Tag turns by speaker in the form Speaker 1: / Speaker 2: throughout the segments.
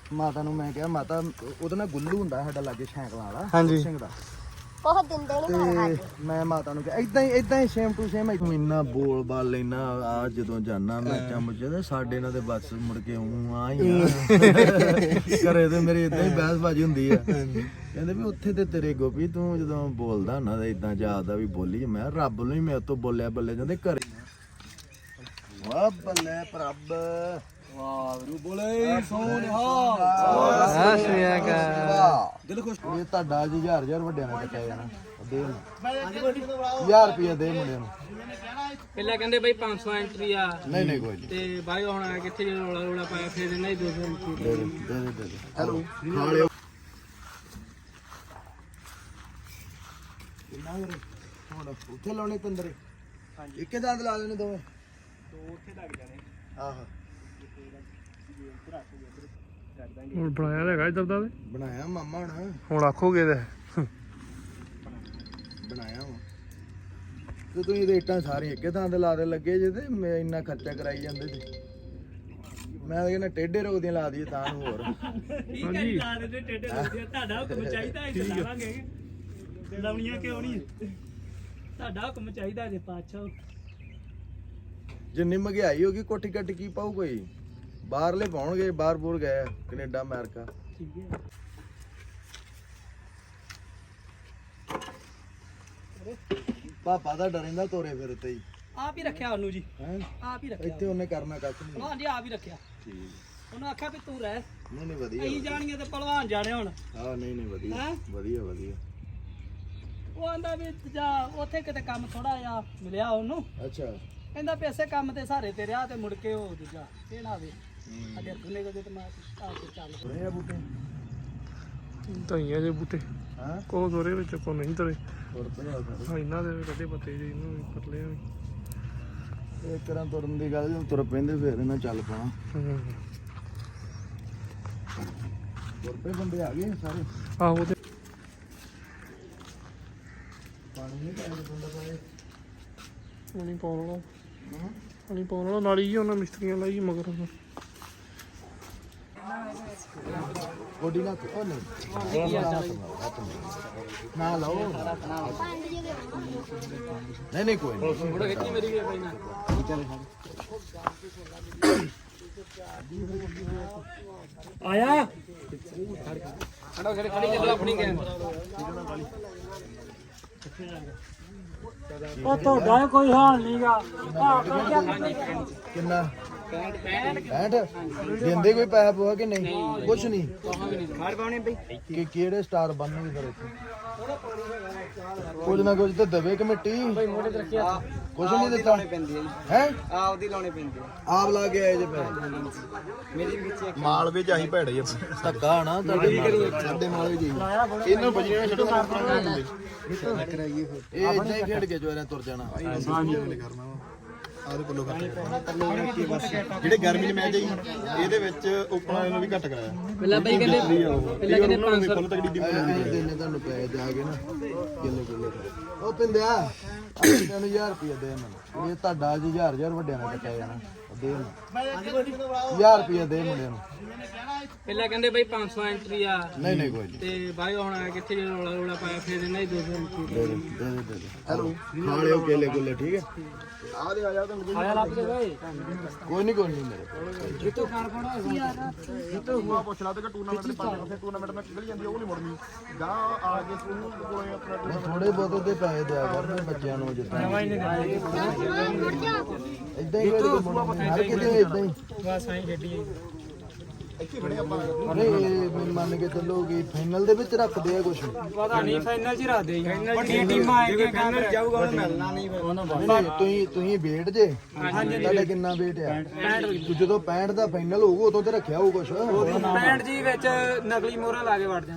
Speaker 1: ਮਾਤਾ ਨੂੰ ਮੈਂ ਕਿਹਾ ਮਾਤਾ ਉਹਦੇ ਨਾਲ ਗੁੱਲੂ ਹੁੰਦਾ ਸਾਡਾ ਲਾਗੇ ਸਾਈਕਲਾਂ ਵਾਲਾ
Speaker 2: ਹਾਂਜੀ।
Speaker 1: ਸਿੰਘ ਦਾ
Speaker 3: ਉਹ ਦਿੰਦੇ ਨਹੀਂ
Speaker 1: ਤੇ ਮੈਂ ਮਾਤਾ ਨੂੰ ਕਿਹਾ ਇਦਾਂ ਹੀ ਸੇਮ ਟੂ ਸੇਮ ਇੰਨਾ ਬੋਲ ਬਾਲ ਲੈਣਾ ਆ ਜਦੋਂ ਜਾਣਾ ਮੈਚਾਂ ਮੁੱਚਾਂ ਤੇ ਸਾਡੇ ਨਾਲ ਤੇ ਬਸ ਮੁੜ ਕੇ ਆ ਹੀ ਘਰੇ ਤੇ ਮੇਰੇ ਇਦਾਂ ਹੀ ਬਹਿਸਬਾਜ਼ੀ ਹੁੰਦੀ ਆ ਕਹਿੰਦੇ ਵੀ ਉੱਥੇ ਤੇ ਤੇਰੇ ਗੋਪੀ ਤੂੰ ਜਦੋਂ ਬੋਲਦਾ ਹੁੰਦਾ ਤਾਂ ਇਦਾਂ ਜਾਪਦਾ ਵੀ ਬੋਲੀ ਮੈਂ ਰੱਬ ਨੂੰ ਹੀ ਮੇਰੇ ਤੋਂ ਬੋਲਿਆ ਬੱਲੇ ਜਾਂਦੇ ਘਰੇ ਵਾਹ ਬੱਲੇ ਪ੍ਰਭ ਵਾਹਿਗੁਰੂ ਬੋਲੇ ਸੋਨਿਹਾ ਦਿਲ ਖੁਸ਼ ਇਹ ਤੁਹਾਡਾ ਜੀ ਹਜ਼ਾਰ ਵੱਡਿਆਂ ਨਾਲ ਕੱਟਿਆ ਜਾਣਾ ਦੇ 1000 ਰੁਪਏ ਦੇ ਮੁੰਡੇ ਨੂੰ
Speaker 2: ਪਹਿਲਾਂ ਕਹਿੰਦੇ ਬਈ 500 ਐਂਟਰੀ ਆ
Speaker 1: ਨਹੀਂ ਕੋਈ ਨਹੀਂ
Speaker 2: ਤੇ ਬਾਈ ਹੁਣ ਆ ਕਿੱਥੇ ਜੇ ਰੋਲਾ ਪਾਇਆ ਫਿਰ ਇਹਨਾਂ ਹੀ 200 ਐਂਟਰੀ
Speaker 1: ਦੇ ਹੈਲੋ ਖਾ ਲਿਓ ਕਿੰਨਾ ਵੀਰੇ ਹੁਣ ਉੱਥੇ ਲਾਉਣੇ ਪੰਦਰੇ ਹਾਂਜੀ ਇੱਕੇ ਦੰਦ ਲਾ ਲੈਣੇ ਦੋਵੇਂ
Speaker 2: ਦੋ ਉੱਥੇ ਲੱਗ ਜਾਣੇ
Speaker 1: ਆਹ
Speaker 4: ਹੁਣ ਬਣਾਇਆ ਹੈਗਾ ਇਧਰ ਦਾ
Speaker 1: ਬਣਾਇਆ ਮਾਮਾ
Speaker 4: ਹੁਣ ਆਖੋਗੇ ਤੇ
Speaker 1: ਬਣਾਇਆ ਵਾ ਤੇ ਤੁਸੀਂ ਰੇਟਾਂ ਸਾਰੀਆਂ ਇੱਕੇ ਥਾਂ ਤੇ ਲਾ ਦੇ ਲੱਗੇ ਜੇ ਤੇ ਮੈਂ ਇੰਨਾ ਖਰਚਾ ਕਰਾਈ ਜਾਂਦੇ ਸੀ ਮੈਂ ਤਾਂ ਕਹਿੰਦਾ ਟੇਢੇ ਰੋਗ ਦੀਆਂ ਲਾ ਦਈਏ ਤਾਂ ਨੂੰ ਹੋਰ
Speaker 2: ਠੀਕ ਹੈ ਲਾ ਦੇ ਟੇਡੇ ਲੱਗਦੇ ਤੁਹਾਡਾ ਹੁਕਮ ਚਾਹੀਦਾ ਇੱਥੇ ਲਾਵਾਂਗੇ ਲਾਉਣੀਆਂ ਕਿਉਂ ਨਹੀਂ ਤੁਹਾਡਾ ਹੁਕਮ ਚਾਹੀਦਾ ਜੇ ਪਾਛਾ
Speaker 1: ਜਿੰਨੀ ਮਹਿੰਗਾਈ ਹੋ ਗਈ ਕੋਠੀ ਕੱਟ ਕੀ ਪਾਉ ਕੋਈ ਬਾਹਰਲੇ ਪਾਉਣਗੇ ਬਾਹਰ ਬੂਰ ਗਏ ਕੈਨੇਡਾ ਅਮਰੀਕਾ
Speaker 2: ਠੀਕ ਹੈ
Speaker 1: ਪਾਪਾ ਦਾ ਡਰਿੰਦਾ ਤੋਰੇ ਫਿਰ ਤੇ ਹੀ
Speaker 2: ਆਪ ਹੀ ਰੱਖਿਆ ਉਹਨੂੰ ਜੀ
Speaker 1: ਹੈ
Speaker 2: ਆਪ ਹੀ ਰੱਖਿਆ
Speaker 1: ਇੱਥੇ ਉਹਨੇ ਕਰਨਾ ਕੱਖ ਨਹੀਂ
Speaker 2: ਹਾਂਜੀ ਆਪ ਹੀ ਰੱਖਿਆ
Speaker 1: ਠੀਕ
Speaker 2: ਉਹਨੂੰ ਆਖਿਆ ਵੀ ਤੂੰ ਰਹਿ
Speaker 1: ਨਹੀਂ ਵਧੀਆ
Speaker 2: ਅਸੀਂ ਜਾਣੀਆਂ ਤੇ ਪਹਿਲਵਾਨ ਜਾਣੇ ਹੁਣ
Speaker 1: ਹਾਂ ਨਹੀਂ ਵਧੀਆ
Speaker 2: ਹੈਂ?
Speaker 1: ਵਧੀਆ
Speaker 2: ਉਹ ਆਂਦਾ ਵੀ ਜਾ ਉੱਥੇ ਕਿਤੇ ਕੰਮ ਥੋੜਾ ਜਿਹਾ ਮਿਲਿਆ ਉਹਨੂੰ
Speaker 1: ਅੱਛਾ
Speaker 2: ਕਹਿੰਦਾ ਵੀ ਇਸੇ ਕੰਮ ਤੇ ਸਾਰੇ ਤੇ ਰਿਹਾ ਤੇ ਮੁੜ ਕੇ ਉਹ ਦੂਜਾ ਇਹ ਨਾ ਆਵੇ ਅਗੇ ਗੁਨੇ ਕੋ ਤੇ ਮੈਂ ਆ ਕੇ ਚੱਲ
Speaker 1: ਰਹੇ ਆ ਬੂਟੇ
Speaker 4: ਧਈਆਂ ਜੇ ਬੂਟੇ
Speaker 1: ਹਾਂ
Speaker 4: ਕੋ ਦੋਰੇ ਵਿੱਚ ਕੋ ਨਹੀਂ ਤਰੇ
Speaker 1: ਤੁਰ ਪਏ ਆ ਸਾਰੇ
Speaker 4: ਹਾਂ ਇਹਨਾਂ ਦੇ ਕੱਢੇ ਪੱਤੇ ਜੀ ਇਹਨੂੰ ਵੀ ਪਤਲੇ ਆ ਵੀ।
Speaker 1: ਇਹ ਤਰ੍ਹਾਂ ਤੁਰਨ ਦੀ ਗੱਲ ਜਦੋਂ ਤੁਰ ਪੈਂਦੇ ਫਿਰ ਇਹਨਾਂ ਚੱਲ ਪਾਣਾ
Speaker 4: ਹੂੰ।
Speaker 1: ਤੁਰ ਪਏ ਬੰਦੇ ਆ ਗਏ ਸਾਰੇ
Speaker 4: ਆਹੋ ਤੇ
Speaker 1: ਪਾਣੀ ਨਹੀਂ ਪਾਇਆ ਬੰਦਾ ਪਾਏ
Speaker 4: ਪਾਣੀ ਪਾਉਣ ਵਾਲਾ ਪਾਣੀ ਪਾਉਣ ਵਾਲਾ ਨਾਲੀ ਜੀ ਉਹਨਾਂ ਮਿਸਤਰੀਆਂ ਲਾਈ ਮਗਰ ਉਹਨਾਂ।
Speaker 1: ਗੋਡੀ ਨਾ ਉਹ ਨਹੀਂ ਨਾ ਲਾਓ ਨਹੀਂ ਕੋਈ ਨਹੀਂ
Speaker 2: ਥੋੜਾ ਖਿੱਚੀ ਮੇਰੀ ਵੀ ਭਾਈ ਨਾ ਆਇਆ ਖੜਾ ਖੜੀ ਚੱਲ ਆਪਣੀ ਗੇਮ ਉਹ ਤੁਹਾਡਾ ਕੋਈ ਹਾਲ ਨਹੀਂਗਾ
Speaker 1: ਕਿੰਨਾ 65 ਦਿੰਦੇ ਕੋਈ ਪੈਸਾ ਪਵਾ ਕਿ ਨਹੀਂ ਕੁਛ ਨਹੀਂ
Speaker 2: ਖਾੜ ਪਾਉਣੀ ਬਈ
Speaker 1: ਕਿ ਕਿਹੜੇ ਸਟਾਰ ਬਣਨਗੇ ਫਿਰ ਇੱਥੇ ਕੁਝ ਨਾ ਕੁਝ ਤਾਂ ਦੇਵੇ ਕਮੇਟੀ
Speaker 2: ਮੋਢੇ ਤੇ ਰੱਖਿਆ
Speaker 1: ਕੁਛ ਨਹੀਂ ਦਿੱਤਾ ਹੈ
Speaker 2: ਆਪਦੀ ਲਾਉਣੇ ਪੈਂਦੇ
Speaker 1: ਆਪ ਲਾ ਕੇ ਆਏ ਜੇ ਪੈ
Speaker 2: ਮੇਰੀ ਵਿੱਚ
Speaker 1: ਮਾਲ ਵਿੱਚ ਆਹੀ ਭੈੜੇ ਧੱਕਾ ਨਾ ਤੁਹਾਡੇ ਸਾਡੇ ਮਾਲ ਵਿੱਚ ਹੀ ਇਹਨਾਂ ਬਜੀਆਂ ਛੱਡੋ ਇਹ ਇਦਾਂ ਹੀ ਖੇਡ ਕੇ ਜੋਰਾਂ ਤੁਰ ਜਾਣਾ ਕਰਨਾ ਆਦੇ ਪੱਲੋ ਜਿਹੜੇ ਗਰਮੀ ਦੇ ਮੈਚ ਆਈ ਇਹਦੇ ਵਿੱਚ ਓਪਨਰ ਨੂੰ ਵੀ ਘੱਟ ਕਰਾਇਆ
Speaker 2: ਪਹਿਲਾਂ ਬਈ ਕਹਿੰਦੇ 500
Speaker 1: ਫੁੱਲ ਤਕੜੀ ਟੀਮ ਦੇਣੇ ਤੁਹਾਨੂੰ ਪੈਸੇ ਦੇ ਆ ਗਏ ਨਾ ਕਿੱਲੇ ਉਹ ਪਿੰਦਿਆ ਤੈਨੂੰ 1000 ਰੁਪਏ ਦੇ ਮੈਨੂੰ ਇਹ ਤੁਹਾਡਾ ਜੀ 1000 ਵੱਡਿਆਂ ਨਾਲ ਕੱਟਿਆ ਜਾਣਾ ਦੇ 1000 ਰੁਪਏ ਦੇ ਮੁੰਡੇ ਨੂੰ
Speaker 2: ਪਹਿਲਾਂ ਕਹਿੰਦੇ ਬਈ 500 ਐਂਟਰੀ ਆ
Speaker 1: ਨਹੀਂ ਕੋਈ ਨਹੀਂ
Speaker 2: ਤੇ ਬਾਈ ਹੁਣ ਆ ਕਿੱਥੇ ਜੇ ਰੋਲਾ ਪਾਇਆ ਫਿਰ ਇਹਨਾਂ ਹੀ 200 ਐਂਟਰੀ
Speaker 1: ਦੇ ਹੈਲੋ ਖਾ ਲਿਓ ਕੇਲੇ ਕੁੱਲੇ ਠੀਕ ਹੈ ਆ ਦੇ ਆ ਜਾ ਤੁਹਾਨੂੰ
Speaker 2: ਆਇਆ ਲੱਭ ਦੇ ਬਈ
Speaker 1: ਕੋਈ ਨਹੀਂ ਮੇਰੇ
Speaker 2: ਜਿੱਤੋ ਖਾਣ ਪਾਉਣਾ
Speaker 5: ਜਿੱਤੇ ਹੁਆ ਪੁੱਛ ਲਾ ਤੇ ਟੂਰਨਾਮੈਂਟ ਦੇ ਪੰਜ ਫਿਰ ਟੂਰਨਾਮੈਂਟ ਮੈਂ ਨਿਕਲ ਜਾਂਦੀ ਉਹ ਨਹੀਂ ਮੁੜਨੀ ਜਾਂ ਆ ਕੇ ਸਕੂਲ ਕੋਲੇ ਆਪਣਾ
Speaker 1: ਥੋੜੇ ਬਹੁਤੇ ਤੇ ਪੈਸੇ ਦਿਆ ਕਰਨ ਬੱਚਿਆਂ ਨੂੰ ਜਿੱਦਾਂ ਇਦਾਂ ਹੀ ਕੋਈ ਹਰ ਕਿਤੇ ਇਦਾਂ ਹੀ
Speaker 2: ਬਸ ਆਈ ਖੇਡੀ
Speaker 5: ਇੱਥੇ ਖੜੇ ਆਪਾਂ
Speaker 1: ਨਹੀਂ ਮੰਨ ਕੇ ਚੱਲੋਗੇ ਫਾਈਨਲ ਦੇ ਵਿੱਚ ਰੱਖਦੇ ਆ ਕੁਝ
Speaker 2: ਪਤਾ ਨਹੀਂ ਫਾਈਨਲ 'ਚ ਰਾਦੇ ਵੱਡੀਆਂ ਟੀਮਾਂ ਆਏਗੀਆਂ ਫਾਈਨਲ ਜਾਊਗਾ ਉਹਨੂੰ ਮਿਲਣਾ ਨਹੀਂ
Speaker 1: ਤੁਸੀਂ ਵੇਟ ਜੇ ਤੁਹਾਡਾ ਕਿੰਨਾ ਵੇਟ ਆ ਜਦੋਂ 65 ਦਾ ਫਾਈਨਲ ਹੋਊਗਾ ਉਦੋਂ ਤੇ ਰੱਖਿਆ ਹੋਊ ਕੁਝ
Speaker 2: 65 ਜੀ ਵਿੱਚ ਨਕਲੀ ਮੋਹਰਾਂ ਲਾ ਕੇ ਵੜ ਜਾਂਦੀ ਹੈ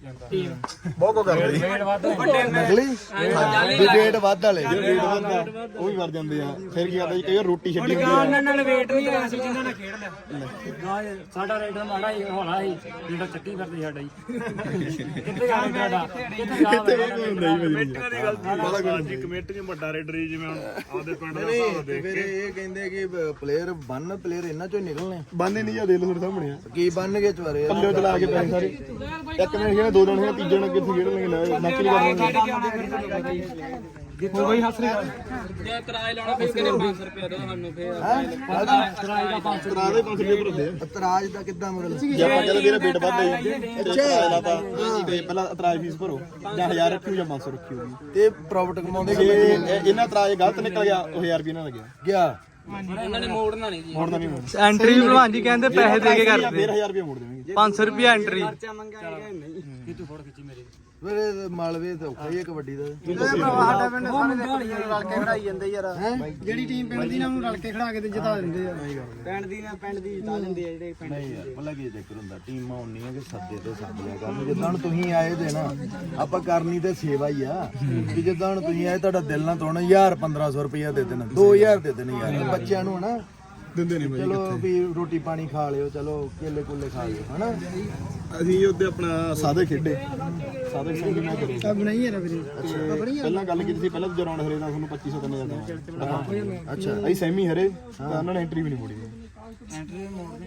Speaker 5: ਬਹੁਤ ਕੋ ਕਰਦੇ
Speaker 1: ਨਕਲੀ ਵੇਟ ਵੱਧ ਵਾਲੇ
Speaker 5: ਉਹ ਵੀ ਮਰ ਜਾਂਦੇ ਆ ਫਿਰ ਕੀ ਕਰਦਾ ਜੀ ਕਈ ਵਾਰ ਰੋਟੀ ਛੱਡੀ ਹੁੰਦੀ ਆ
Speaker 2: ਉਹਨਾਂ ਨਾਲ ਵੇਟ ਨਹੀਂ ਹੋਇਆ ਸੀ ਜਿੰਨਾਂ ਨਾਲ ਖੇਡ ਲਿਆ ਸਾਡਾ ਰੇਡਰ ਮਾੜਾ ਹੀ ਹੋਣਾ ਸੀ ਜਿਹੜਾ ਚੱਕੀ ਫਿਰਦੇ ਸਾਡਾ ਹੀ ਕਿੱਥੇ ਗਿਆ ਸਾਡਾ
Speaker 5: ਕਿੱਥੇ ਕੋਈ ਹੁੰਦਾ ਜੀ ਮੇਰੀ
Speaker 4: ਕਮੇਟੀ ਨੂੰ ਵੱਡਾ ਰੇਡਰ ਹੀ ਜਿਵੇਂ ਹੁਣ ਆਪਦੇ ਪਿੰਡ ਦਾ
Speaker 1: ਨਹੀਂ ਫਿਰ ਇਹ ਕਹਿੰਦੇ ਕਿ ਪਲੇਅਰ ਪਲੇਅਰ ਇਹਨਾਂ ਚੋਂ ਨਿਕਲਣੇ
Speaker 5: ਬੰਨੇ ਨਹੀਂ ਜਾਂ ਦੇ ਲੋ ਤੁਹਾਡੇ ਸਾਹਮਣੇ ਆ
Speaker 1: ਕੀ ਬਣ ਗਏ ਚਵਾਰੇ
Speaker 5: ਪੱਲੇ ਚਲਾ ਕੇ ਪੈਸੇ ਸਾਰੇ ਇੱਕ ਨੇ ਖੇਡਣਾ ਦੋ ਦਿਨ ਖੇਡਣਾ ਤੀਜੇ ਨੇ ਕਿੱਥੇ ਖੇਡ ਲੈਣਗੇ ਨੱਕ ਨਹੀਂ ਕਰਨਗੇ
Speaker 2: ਹੋ ਗਈ ਹੱਸ ਰਿਹਾ ਜੇ ਕਿਰਾਏ ਲਾਉਣਾ ਫਿਰ ਕਿੰਨੇ 500 ਰੁਪਏ ਦੋ ਸਾਨੂੰ ਫਿਰ ਕਿਰਾਏ ਦਾ 500
Speaker 5: ਕਰਾ ਦੇ 500 ਰੁਪਏ ਭਰਦੇ ਆ
Speaker 1: ਇਤਰਾਜ਼ ਦਾ ਕਿੱਦਾਂ ਮਤਲਬ
Speaker 5: ਜੇ ਆਪਾਂ ਕਹਿੰਦੇ ਵੀਰੇ ਵੇਟ ਵੱਧ ਹੈ ਅੱਛਾ ਲਾਤਾ ਤੇ ਪਹਿਲਾਂ ਇਤਰਾਜ਼ ਫੀਸ ਭਰੋ ਜਾਂ 1000 ਰੱਖਿਓ ਜਾਂ 500 ਰੱਖਿਓ
Speaker 1: ਤੇ ਪ੍ਰੋਫਿਟ ਕਮਾਉਂਦੇ
Speaker 5: ਜੇ ਇਹਨਾਂ ਇਤਰਾਜ਼ ਗਲਤ ਨਿਕਲ ਗਿਆ ਉਹ 1000 ਰੁਪਏ ਨਾਲ ਲੱਗਿਆ
Speaker 1: ਗਿਆ
Speaker 2: ਇਹਨਾਂ ਨੇ ਮੋੜਨਾ ਨਹੀਂ ਜੀ
Speaker 5: ਮੋੜਦਾ ਨਹੀਂ ਮੋੜਦਾ
Speaker 6: ਐਂਟਰੀ ਵੀ ਭਲਵਾਨ ਜੀ ਕਹਿੰਦੇ ਪੈਸੇ ਦੇ ਕੇ ਕਰਦੇ
Speaker 5: ਫਿਰ 1000 ਰੁਪਏ ਮੋੜ ਦੇਵਾਂਗੇ
Speaker 6: 500 ਰੁਪਏ ਐਂਟਰੀ
Speaker 2: ਖਰਚਾ ਮੰਗਿਆ ਨਹੀਂ ਕਿ ਤੂੰ ਫੋੜ ਖਿੱਚੀ ਮੇਰੇ
Speaker 1: ਮੇਰੇ ਮਾਲਵੇ ਤੇ ਔਖਾ ਹੀ ਹੈ ਕਬੱਡੀ ਦਾ
Speaker 2: ਸਾਡਾ ਪਿੰਡ ਸਾਰੇ ਰਲ ਕੇ ਖੜਾਈ ਜਾਂਦੇ ਯਾਰ ਜਿਹੜੀ ਟੀਮ ਪਿੰਡ ਦੀ ਨਾ ਉਹਨੂੰ ਰਲ ਕੇ ਖੜਾ ਕੇ ਤੇ ਜਿਤਾ ਦਿੰਦੇ ਆ ਪਿੰਡ ਦੀ ਨਾ ਪਿੰਡ ਦੀ ਜਿਤਾ ਦਿੰਦੇ ਆ ਜਿਹੜੇ ਪਿੰਡ
Speaker 1: ਨਹੀਂ ਯਾਰ ਭਲਾ ਕੀ ਚੱਕਰ ਹੁੰਦਾ ਟੀਮਾਂ ਹੁੰਦੀਆਂ ਕਿ ਸੱਦੇ ਤੇ ਸੱਦ ਲਿਆ ਕਰਨ ਜਿੱਦਾਂ ਹੁਣ ਤੁਸੀਂ ਆਏ ਦੇ ਨਾ ਆਪਾਂ ਕਰਨੀ ਤੇ ਸੇਵਾ ਹੀ ਆ ਕਿ ਜਿੱਦਾਂ ਹੁਣ ਤੁਸੀਂ ਆਏ ਤੁਹਾਡਾ ਦਿਲ ਨਾ ਤੋੜਨਾ 1500 ਰੁਪਇਆ ਦੇ ਦੇਣਾ 2000 ਦੇ ਦੇਣੇ ਯਾਰ ਬੱਚਿਆਂ ਨੂੰ ਹਨਾ
Speaker 5: ਦਿੰਦੇ ਨਹੀਂ
Speaker 1: ਚਲੋ ਵੀ ਰੋਟੀ ਪਾਣੀ ਖਾ ਲਿਓ ਚਲੋ ਕੇਲੇ ਕੁੱਲੇ ਖਾ ਲਿਓ ਹਨਾ
Speaker 5: ਅਸੀਂ ਉੱਤੇ ਆਪਣਾ ਸਾਦੇ ਖੇਡੇ ਸਾਦੇ ਸੰਗੀ ਨਾ ਕਰੇ
Speaker 2: ਸਭ ਨਹੀਂ ਯਾਰ ਵੀਰੇ
Speaker 5: ਪਹਿਲਾਂ ਗੱਲ ਕੀਤੀ ਸੀ ਪਹਿਲਾਂ ਦੂਜਾ ਰਾਉਂਡ ਹਰੇ ਦਾ ਤੁਹਾਨੂੰ 2500 3000
Speaker 1: ਅੱਛਾ
Speaker 5: ਅਸੀਂ ਸੈਮੀ ਹਰੇ ਤਾਂ ਉਹਨਾਂ ਨੇ ਐਂਟਰੀ ਵੀ ਨਹੀਂ ਮੋੜੀ
Speaker 2: ਐਂਟਰੀ ਮੋੜਨੀ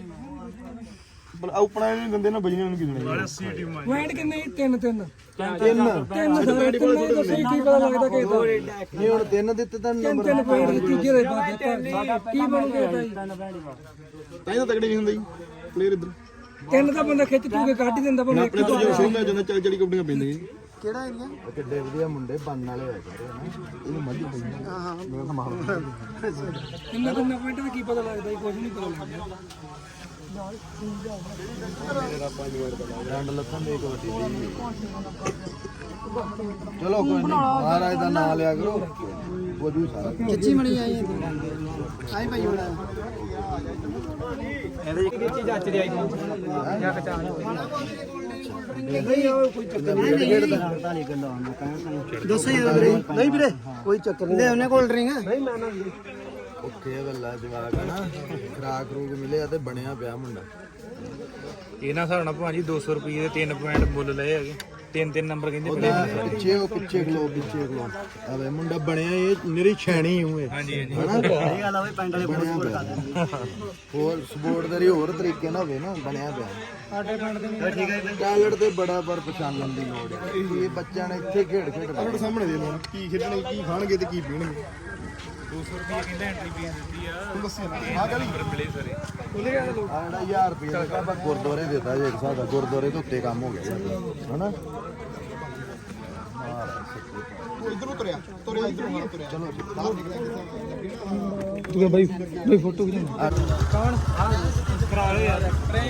Speaker 5: ਪਰ ਆਪਣਾ ਨਹੀਂ ਦਿੰਦੇ ਨਾ ਬਜਣੇ ਨੂੰ ਕੀ ਦੇਣਾ
Speaker 2: ਪੁਆਇੰਟ ਕਿੰਨੇ 3
Speaker 1: ਤਿੰਨ
Speaker 2: ਸਾਰੇ ਦੱਸੋ ਕੀ ਪਤਾ ਲੱਗਦਾ ਕਿ
Speaker 1: ਨਹੀਂ ਹੁਣ ਤਿੰਨ ਦਿੱਤੇ ਤਾਂ ਨੰਬਰ
Speaker 2: 3 ਪੁਆਇੰਟ ਤੀਜੇ ਦੇ ਬਾਅਦ ਕੀ ਬਣੂਗਾ ਭਾਈ
Speaker 5: ਤਾਂ ਹੀ ਤਾਂ ਤਗੜੇ ਨਹੀਂ ਹੁੰਦੇ ਜੀ ਪਲੇਅਰ ਇੱਧਰ
Speaker 2: ਤਿੰਨ ਦਾ ਬੰਦਾ ਖਿੱਚ ਤੂੰ ਕੇ ਕੱਢ ਹੀ ਦਿੰਦਾ ਭਾਵੇਂ
Speaker 5: ਆਪਣੇ ਤੋਂ ਜੋ ਸ਼ੋਅ ਮੈਚ ਜਾਂਦਾ 40 ਕਬੱਡੀਆਂ ਪੈਂਦੀਆਂ
Speaker 2: ਕਿਹੜਾ ਏਰੀਆ
Speaker 1: ਕਿੱਡੇ ਵਧੀਆ ਮੁੰਡੇ ਬਣਨ ਵਾਲੇ ਹੋਏ ਸਾਰੇ ਹਨਾ
Speaker 5: ਇਹਨੂੰ ਮੱਝ ਪਈ ਮੇਰਾ ਤਾਂ ਮਾਰ
Speaker 2: ਕਿੰਨਾ ਪੁਆਇੰਟ ਦਾ ਕੀ ਪਤਾ ਲੱਗਦਾ ਜੀ ਕੁਝ ਨਹੀਂ ਪਤਾ ਲੱਗਦਾ
Speaker 1: ਡੰਡ ਲੱਥਾਂ ਦੇ ਕਬੱਡੀ ਦੀ ਚਲੋ ਕੋਈ ਨਹੀਂ ਮਹਾਰਾਜ ਦਾ ਨਾਮ ਲਿਆ ਕਰੋ ਬੋਝੂ ਸਾਰਾ
Speaker 2: ਕਿੱਚੀ ਮਣੀ ਆਈ ਆਈ ਭਾਈ ਬੜਾ ਇਹਦੇ ਕੀ ਚੀਜ਼ ਅੱਜ ਦੀ ਆਈ ਜਾਂ ਕਚਾਣ ਨਹੀਂ ਉਹ ਕੋਈ ਚੱਕਰ ਨਹੀਂ ਦੱਸੋ ਯਾਰ ਵੀਰੇ ਨਹੀਂ ਵੀਰੇ ਕੋਈ ਚੱਕਰ ਨਹੀਂ ਉਹਨੇ ਕੋਲ ਡਰਿੰਗ ਨਹੀਂ ਮੈਂ ਨਾ
Speaker 1: ਓਕੇ ਗੱਲਾਂ ਜਵਾਕ ਹਨਾ ਖਰਾਕ ਰੂਕ ਮਿਲਿਆ ਤੇ ਬਣਿਆ ਪਿਆ ਮੁੰਡਾ
Speaker 6: ਇਹਨਾਂ ਹਿਸਾਬ ਨਾਲ ਭਾਜੀ 200 ਰੁਪਏ ਦੇ 3 ਪੁਆਇੰਟ ਮੁੱਲ ਲਏ ਹੈਗੇ 3 ਨੰਬਰ ਕਹਿੰਦੇ
Speaker 1: ਉਹਦਾ ਪਿੱਛੇ ਖਲੋ ਆਵੇ ਮੁੰਡਾ ਬਣਿਆ ਇਹ ਮੇਰੀ ਛੈਣੀ ਹੂੰ ਇਹ ਹਾਂਜੀ ਹਨਾ ਇਹ ਗੱਲ ਆਵੇ ਪਿੰਡ ਵਾਲੇ ਹੋਰ ਸਪੋਰਟਦਾਰੀ ਹੋਰ ਤਰੀਕੇ ਨਾਲ ਹੋਵੇ ਨਾ ਬਣਿਆ ਪਿਆ
Speaker 2: ਸਾਡੇ ਪਿੰਡ ਦੇ
Speaker 1: ਠੀਕ ਹੈ ਟੈਲੈਂਟ ਤੇ ਬੜਾ ਪਰ ਪਛਾਣਨ ਦੀ ਲੋੜ ਹੈ ਇਹ ਬੱਚਿਆਂ ਨੇ ਇੱਥੇ ਖੇਡ
Speaker 5: ਆਪਣੇ ਸਾਹਮਣੇ ਦੇ ਲੋ ਕੀ ਖੇਡਣੇ ਕੀ ਖਾਣਗੇ ਤੇ ਕੀ ਪੀਣਗੇ
Speaker 6: 200 ਰੁਪਏ ਕਹਿੰਦਾ ਐਂਟਰੀ ਫੀਸ ਦਿੱਤੀ ਆ
Speaker 5: ਦੱਸਿਆ ਨਾ ਆ ਗਲੀ
Speaker 6: ਮਿਲੇ ਸਾਰੇ
Speaker 1: ਆ ਜਿਹੜਾ 1000 ਰੁਪਏ ਦਾ ਆਪਾਂ ਗੁਰਦੁਆਰੇ ਦਿੱਤਾ ਜੇ ਇੱਕ ਹਿਸਾਬ ਦਾ ਗੁਰਦੁਆਰੇ ਤੋਂ ਉੱਤੇ ਕੰਮ ਹੋ ਗਿਆ ਹਨਾ
Speaker 5: ਤੂੰ ਇਧਰੋਂ ਤੁਰਿਆ ਇਧਰੋਂ ਹਾਂ ਤੁਰਿਆ ਚਲੋ ਬਾਹਰ ਨਿਕਲਿਆ
Speaker 2: ਤੂੰ ਬਾਈ ਫੋਟੋ ਖਿਚਾ ਕੌਣ ਕਰਾ ਲਓ ਯਾਰ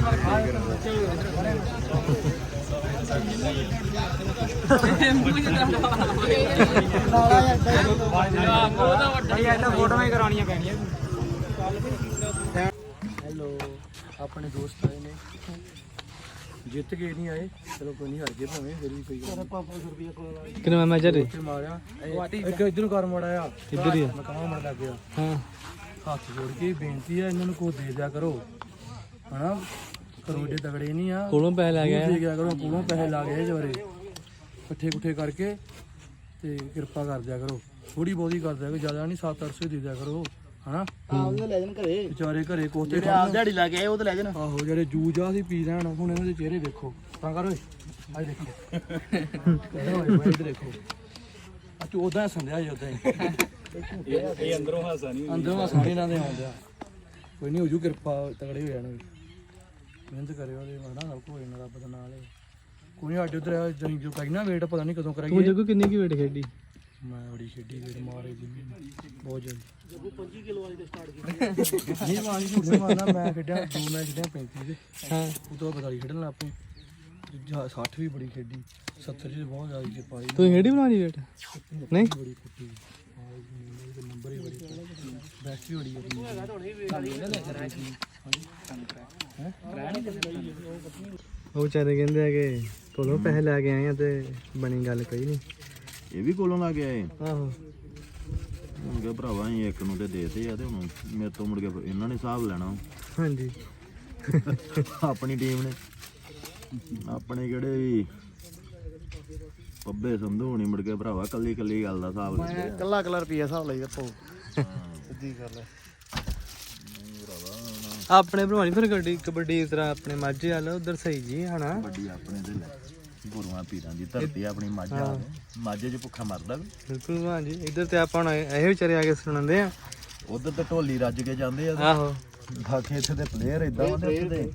Speaker 2: ਫੋਟੋਆਂ ਹੀ ਕਰਾਉਣੀਆਂ ਪੈਣੀਆਂ ਹੈਲੋ ਆਪਣੇ ਦੋਸਤ ਆਏ ਨੇ ਜਿੱਤ ਕੇ ਨਹੀਂ ਆਏ ਚਲੋ ਕੋਈ ਨਹੀਂ ਹਾਰ ਗਏ ਭਾਵੇਂ ਫਿਰ ਵੀ ਕੋਈ 500 ਰੁਪਏ ਕੋਲ
Speaker 6: ਕਿੰਨਾ ਮੈਚ ਹੈ
Speaker 2: ਮਾਰਿਆ ਇੱਕ ਇਧਰੋਂ ਕਰ ਮੜਾਇਆ
Speaker 6: ਕਿੱਧਰ ਹੀ ਆ?
Speaker 2: ਮੈਂ ਕਹਾਂ ਮੜ ਲੱਗ ਗਿਆ
Speaker 6: ਹਾਂ
Speaker 2: ਹੱਥ ਜੋੜ ਕੇ ਬੇਨਤੀ ਆ ਇਹਨਾਂ ਨੂੰ ਕੋ ਦੇ ਦਿਆ ਕਰੋ ਹਨਾ ਕਰੋੜੇ ਤਗੜੇ ਨਹੀਂ ਆ
Speaker 6: ਕੋਲੋਂ ਪੈਸੇ ਲੈ ਗਿਆ
Speaker 2: ਦੇ ਗਿਆ ਕਰੋ ਕੋਲੋਂ ਪੈਸੇ ਲਾ ਗਏ ਜਵਰੇ ਇਕੱਠੇ ਕੁੱਠੇ ਕਰਕੇ ਤੇ ਕਿਰਪਾ ਕਰ ਦਿਆ ਕਰੋ ਥੋੜੀ ਬਹੁਤੀ ਕਰ ਦਿਆ ਕਰੋ ਜ਼ਿਆਦਾ ਨਹੀਂ 7-800 ਦੇ ਦਿਆ ਕਰੋ ਹਨਾ
Speaker 5: ਉਹਨੇ ਲੈ ਜਾਣ ਘਰੇ
Speaker 2: ਵਿਚਾਰੇ ਘਰੇ ਕੋਤੇ
Speaker 5: ਆਪ ਦਿਹਾੜੀ ਲਾ ਕੇ ਆਏ ਉਹ ਤੇ ਲੈ ਜਾਣ
Speaker 2: ਆਹੋ ਜਿਹੜੇ ਜੂਜਾ ਸੀ ਪੀ ਲੈਣ ਹੁਣ ਇਹਨਾਂ ਦੇ ਚਿਹਰੇ ਵੇਖੋ ਤਾਂ ਕਰ ਓਏ ਆਹ ਦੇਖੋ ਓਏ ਦੇਖੋ ਆ ਤੂੰ ਉਦਾਂ ਸੰਧਿਆ ਜੀ ਉਦਾਂ ਹੀ ਇਹ ਅੰਦਰੋਂ ਹਾਸਾ ਨਹੀਂ ਇਹਨਾਂ ਦੇ ਆਉਂਦਾ ਕੋਈ ਨਹੀਂ ਹੋ ਜੂ ਕਿਰਪਾ ਤਗੜੇ ਹੋ ਜਾਣਗੇ ਮਿਹਨਤ ਕਰਿਓ ਉਹਦੇ ਹਨਾ ਸਭ ਕੁਝ ਇਹਨਾਂ ਰੱਬ ਦਾ ਨਾਲ ਹੈ ਕੋਈ ਸਾਡੇ ਉਧਰ ਜਣੀ ਜੋ ਕਰੀ ਨਾ ਵੇਟ ਪਤਾ ਨਹੀਂ ਕਦੋਂ
Speaker 6: ਤੂੰ
Speaker 2: ਕਰਾਈਏ
Speaker 6: ਜੱਗੂ ਕਿੰਨੀ ਕੀ ਵੇਟ ਖੇਡੀ
Speaker 2: ਮੈਂ ਬੜੀ ਖੇਡੀ ਵੇਟ ਮਾਰੇ ਜੀ ਬਹੁਤ ਜਲਦੀ ਜੱਗੂ 25 ਕਿਲੋ ਵਾਲੀ ਤੇ ਸਟਾਰਟ ਕੀਤੀ ਨਹੀਂ ਮਾਰੀ ਝੂਠ ਨਹੀਂ ਮਾਰਨਾ ਮੈਂ ਖੇਡਿਆ 2 ਮੈਚ ਖੇਡਿਆ 35 ਦੇ
Speaker 6: ਹਾਂ
Speaker 2: ਉਹ ਤੋਂ ਬਾਅਦ ਖੇਡਣ ਲੱਗ ਪਏ 60 ਵੀ ਬੜੀ ਖੇਡੀ 70 ਚ ਬਹੁਤ ਜ਼ਿਆਦਾ ਜੇ ਪਾਈ
Speaker 6: ਤੂੰ ਖੇਡੀ ਬਣਾਣੀ ਵੇਟ ਨਹੀਂ
Speaker 2: ਬੜੀ ਕੁੱਟੀ ਨੰਬਰ ਹੀ ਬੜੀ ਬੈਸਟ ਵੀ ਬੜੀ
Speaker 7: ਉਹ ਵਿਚਾਰੇ ਕਹਿੰਦੇ ਆ ਕਿ ਕੋਲੋਂ ਪੈਸੇ ਲੈ ਕੇ ਆਏ ਆ ਤੇ ਬਣੀ ਗੱਲ ਕੋਈ ਨਹੀਂ।
Speaker 1: ਇਹ ਵੀ ਕੋਲੋਂ ਲਾ ਕੇ ਆਏ
Speaker 7: ਆਹੋ
Speaker 1: ਹੁਣ ਕਿ ਭਰਾਵਾ ਅਸੀਂ ਇੱਕ ਨੂੰ ਤੇ ਦੇਤੇ ਆ ਤੇ ਹੁਣ ਮੇਰੇ ਤੋਂ ਮੁੜ ਕੇ ਇਹਨਾਂ ਨੇ ਹਿਸਾਬ ਲੈਣਾ
Speaker 7: ਹਾਂਜੀ
Speaker 1: ਆਪਣੀ ਟੀਮ ਨੇ। ਆਪਣੇ ਕਿਹੜੇ ਵੀ ਪੱਬੇ ਸੰਧੂ ਹੋਣੀ ਮੁੜ ਕੇ ਭਰਾਵਾ ਕੱਲੀ ਕੱਲੀ ਗੱਲ ਦਾ ਹਿਸਾਬ ਲੈਂਦੇ ਆ।
Speaker 5: ਕੱਲਾ ਕੱਲਾ ਰੁਪਿਆ ਹਿਸਾਬ ਲਈ ਦੱਸੋ ਸਿੱਧੀ ਗੱਲ ਹੈ।
Speaker 7: ਆਪਣੇ ਭਰਵਾਨੀ ਫਿਰ ਕਬੱਡੀ ਇਸ ਤਰ੍ਹਾਂ ਆਪਣੇ ਮਾਝੇ ਵਾਲਾ ਉਧਰ ਸਹੀ ਜੀ ਹਨਾ।
Speaker 1: ਵੱਡੀ ਆਪਣੇ ਦੇ ਲੈ ਗੁਰੂਆਂ ਪੀਰਾਂ ਦੀ ਧਰਤੀ ਆ ਆਪਣੀ ਮਾਝਾ ਮਾਝੇ 'ਚ ਭੁੱਖਾ ਮਰਦਾ ਵੀ।
Speaker 7: ਬਿਲਕੁਲ ਭਲਵਾਨ ਜੀ ਇੱਧਰ ਤੇ ਆਪਾਂ ਹੁਣ ਇਹ ਵਿਚਾਰੇ ਆ ਕੇ ਸੁਣਾਉਂਦੇ ਆ।
Speaker 1: ਉਧਰ ਤੇ ਢੋਲੀ ਰੱਜ ਕੇ ਜਾਂਦੇ ਆ
Speaker 7: ਆਹੋ
Speaker 1: ਬਾਕੀ ਇੱਥੇ ਦੇ ਪਲੇਅਰ ਇਦਾਂ ਹੁੰਦੇ ਉੱਥੇ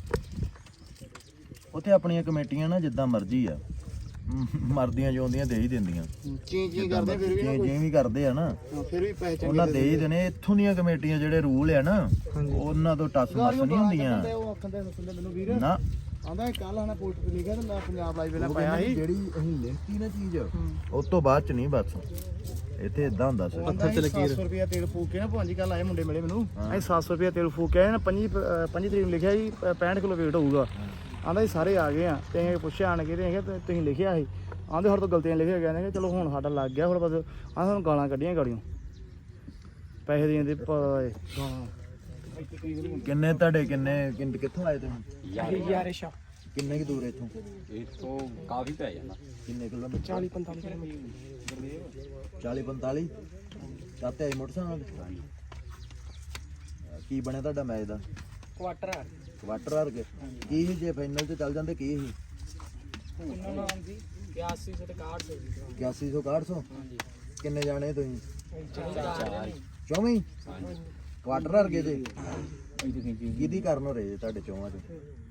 Speaker 1: ਉੱਥੇ ਆਪਣੀਆਂ ਕਮੇਟੀਆਂ ਨਾ ਜਿੱਦਾਂ ਮਰਜ਼ੀ ਆ ਮਰਦੀਆਂ ਜਿਉਂਦੀਆਂ ਦੇ ਹੀ ਦਿੰਦੀਆਂ।
Speaker 5: ਚੀ ਕਰਦੇ ਫਿਰ ਵੀ
Speaker 1: ਜੇ ਵੀ ਕਰਦੇ ਆ ਨਾ
Speaker 5: ਫਿਰ ਵੀ ਪੈਸੇ
Speaker 1: ਉਹਨਾਂ ਦੇ ਹੀ ਦੇਣੇ। ਇੱਥੋਂ ਦੀਆਂ ਕਮੇਟੀਆਂ ਜਿਹੜੇ ਰੂਲ ਆ ਨਾ ਉਹਨਾਂ ਤੋਂ ਟੱਸ ਮੱਸ ਨਹੀਂ ਹੁੰਦੀਆਂ
Speaker 5: ਉਹ ਆਖਦੇ ਸੁਣਦੇ ਮੈਨੂੰ ਵੀਰ
Speaker 1: ਨਾ।
Speaker 5: ਆਂਦਾ ਕੱਲ ਹਨਾ ਪੋਸਟ ਤੇ ਲਿਖਿਆ ਤੇ ਮੈਂ ਪੰਜਾਬ ਲਾਈਵ ਵੇਲੇ ਪਾਇਆ ਸੀ
Speaker 1: ਜਿਹੜੀ ਅਸੀਂ ਲਿਖਤੀ ਨਾ ਚੀਜ਼ ਉਸ ਤੋਂ ਬਾਅਦ ਚ ਨਹੀਂ ਬਸ ਇੱਥੇ ਇਦਾਂ ਹੁੰਦਾ ਸੀ।
Speaker 5: ਪੱਥਰ ਤੇ ਲਕੀਰ 700 ਰੁਪਿਆ ਤੇਲ ਫੂਕ ਕੇ ਨਾ ਭਾਂਜੀ ਕੱਲ ਆਏ ਮੁੰਡੇ ਮਿਲੇ ਮੈਨੂੰ ਅਸੀਂ 700 ਰੁਪਿਆ ਤੇਲ ਫੂਕ ਕੇ ਆਏ ਨਾ 5 ਤਰੀਕ ਨੂੰ ਲਿਖਿਆ ਜੀ 65 ਕਿਲੋ weight ਹੋਊਗਾ। ਆਂਦਾ ਜੀ ਸਾਰੇ ਆ ਗਏ ਆ ਤੇ ਅਸੀਂ ਪੁੱਛਿਆ ਆਣ ਕੇ ਤੇ ਤੁਸੀਂ ਲਿਖਿਆ ਸੀ ਆਂਦੇ ਸਾਡੇ ਤੋਂ ਗਲਤੀਆਂ ਲਿਖਿਆ ਗਿਆ ਨੇ ਚਲੋ ਹੁਣ ਸਾਡਾ ਲੱਗ ਗਿਆ ਹੁਣ ਬਸ ਆਹ ਸਾਨੂੰ ਗਾਲਾਂ ਕੱਢੀਆਂ ਗਾੜੀਆਂ ਪੈਸੇ ਦੇਣ ਦੇ ਗਾਲਾਂ।
Speaker 1: ਕਿੰਨੇ ਤੁਹਾਡੇ ਕਿੱਥੋਂ ਆਏ ਤੁਸੀਂ?
Speaker 2: ਯਾਰੇਸ਼ਾ
Speaker 1: ਕਿੰਨੇ ਕਿ ਦੂਰ ਇੱਥੋਂ?
Speaker 2: ਇੱਥੋਂ ਕਾਫੀ ਪੈ ਜਾਂਦਾ
Speaker 1: ਕਿੰਨੇ ਕਿਲੋਮੀਟਰ?
Speaker 2: 40-45 ਕਿਲੋਮੀਟਰ
Speaker 1: 40-45 ਚਾਹਤੇ ਆਈ ਮੋਟਰਸਾਈਕਲ ਤੇ? ਕੀ ਬਣਿਆ ਤੁਹਾਡਾ ਮੈਚ ਦਾ? ਕੁਆਟਰ ਹਾਰ ਗਏ। ਕੀ ਸੀ ਜੇ ਫਾਈਨਲ ਤੇ ਚੱਲ ਜਾਂਦੇ ਕੀ ਸੀ?
Speaker 2: ਉਹਨਾਂ ਨਾਮ ਸੀ 81 ਤੇ 61
Speaker 1: 8100 ਕਿੰਨੇ ਜਾਣੇ ਤੁਸੀਂ?
Speaker 2: 4
Speaker 1: ਚੌਵੀਂ ਕੁਆਟਰ ਹਾਰ ਗਏ ਜੇ। ਕਿਹਦੀ ਕਰਨ ਹੋ ਰਹੇ ਜੇ ਤੁਹਾਡੇ ਚੌਵਾਂ ਚ?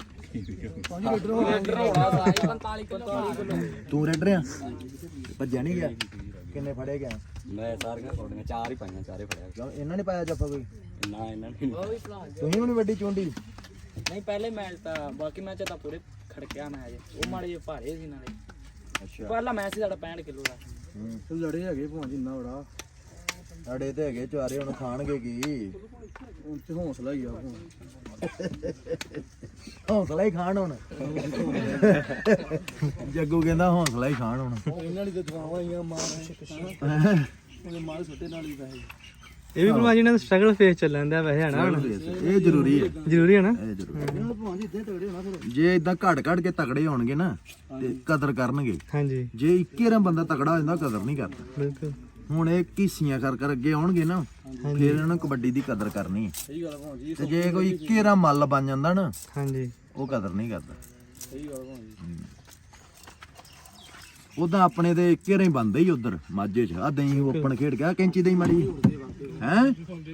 Speaker 1: ਤੂੰ ਰੈਡਰ ਆ? ਭੱਜਿਆ ਨਹੀਂ ਗਿਆ? ਕਿੰਨੇ ਫੜੇ ਗਿਆ?
Speaker 2: ਮੈਂ ਸਾਰੀਆਂ ਫੋਟੋਆਂ 4 ਹੀ ਪਾਈਆਂ 4 ਹੀ ਫੜਿਆ
Speaker 1: ਕਿਉਂ ਇਹਨਾਂ ਨੇ ਪਾਇਆ ਜੱਫਾ ਕੋਈ?
Speaker 2: ਨਾ ਇਹਨਾਂ ਨੇ
Speaker 1: ਤੁਸੀਂ ਵੀ ਵੱਡੀ ਚੁੰਡੀ?
Speaker 2: ਨਹੀਂ ਪਹਿਲੇ ਮੈਚ ਤਾਂ ਬਾਕੀ ਮੈਚ ਤਾਂ ਪੂਰੇ ਖੜਕਿਆ ਮੈਚ ਉਹ ਮਾੜੇ ਜਿਹੇ ਭਾਰੇ ਸੀ ਨਾਲੇ।
Speaker 1: ਅੱਛਾ
Speaker 2: ਪਹਿਲਾ ਮੈਚ ਸੀ ਸਾਡਾ 65 ਕਿਲੋ ਦਾ।
Speaker 5: ਲੜੇ ਹੈਗੇ ਭਾਂਜੀ ਇੰਨਾ ਬੜਾ
Speaker 1: ਸਾਡੇ ਤੇ ਹੈਗੇ ਚਾਰੇ ਹੁਣ ਖਾਣਗੇ ਕੀ?
Speaker 5: ਹੁਣ ਤੇ ਹੌਸਲਾ ਹੀ ਆ ਹੁਣ
Speaker 1: ਹੌਸਲਾ ਹੀ ਖਾਣ ਹੁਣ। ਜੱਗੂ ਕਹਿੰਦਾ ਹੌਸਲਾ ਹੀ ਖਾਣ ਹੁਣ।
Speaker 5: ਇਹਨਾਂ ਦੀ ਦਵਾਵਾਂ ਆਈਆਂ ਮਾਰ ਉਹਨੇ ਮਾਰ ਸੁੱਟੇ ਨਾਲ ਹੀ ਪੈਸੇ।
Speaker 7: ਇਹ ਵੀ ਭਲਵਾਨ ਜੀ ਨਾਲ ਸਟਰਗਲ ਫੇਸ ਚੱਲਣ ਦਿਆ ਵੈਸੇ ਹਨਾ ਹੁਣ।
Speaker 1: ਇਹ ਜ਼ਰੂਰੀ ਹੈ।
Speaker 7: ਜ਼ਰੂਰੀ ਹੈ ਨਾ।
Speaker 1: ਇਹ ਜ਼ਰੂਰੀ।
Speaker 5: ਇਹਨਾਂ ਨੂੰ ਭਾਂਜੀ ਇੱਦਾਂ ਤਗੜੇ ਹੋਣਾ ਫਿਰ।
Speaker 1: ਜੇ ਇਦਾਂ ਘੜ ਕੇ ਤਕੜੇ ਹੋਣਗੇ ਨਾ ਤੇ ਕਦਰ ਕਰਨਗੇ।
Speaker 7: ਹਾਂਜੀ
Speaker 1: ਜੇ ਇੱਕੇ ਰਾਂ ਬੰਦਾ ਤਕੜਾ ਹੋ ਜਾਂਦਾ ਕਦਰ ਨਹੀਂ ਕਰਦਾ।
Speaker 7: ਬਿਲਕੁਲ
Speaker 1: ਹੁਣ ਇਹ ਕੀਸੀਆਂ ਕਰ ਅੱਗੇ ਆਉਣਗੇ ਨਾ ਫਿਰ ਇਹਨਾਂ ਨੂੰ ਕਬੱਡੀ ਦੀ ਕਦਰ ਕਰਨੀ ਹੈ।
Speaker 5: ਸਹੀ ਗੱਲ ਭਾਂਜੀ
Speaker 1: ਤੇ ਜੇ ਕੋਈ ਇੱਕੇ ਰਾਂ ਮੱਲ ਬਣ ਜਾਂਦਾ ਨਾ
Speaker 7: ਹਾਂਜੀ
Speaker 1: ਉਹ ਕਦਰ ਨਹੀਂ ਕਰਦਾ।
Speaker 5: ਸਹੀ ਗੱਲ ਭਾਂਜੀ
Speaker 1: ਉਦਾਂ ਆਪਣੇ ਤੇ ਇੱਕੇ ਰਾਂ ਹੀ ਬੰਦੇ ਹੀ ਉਧਰ ਮਾਝੇ 'ਚ। ਆ ਦਹੀਂ ਓਪਨ ਖੇਡ ਗਿਆ ਕੈਂਚੀ ਦਹੀਂ ਮਾੜੀ ਹੈ।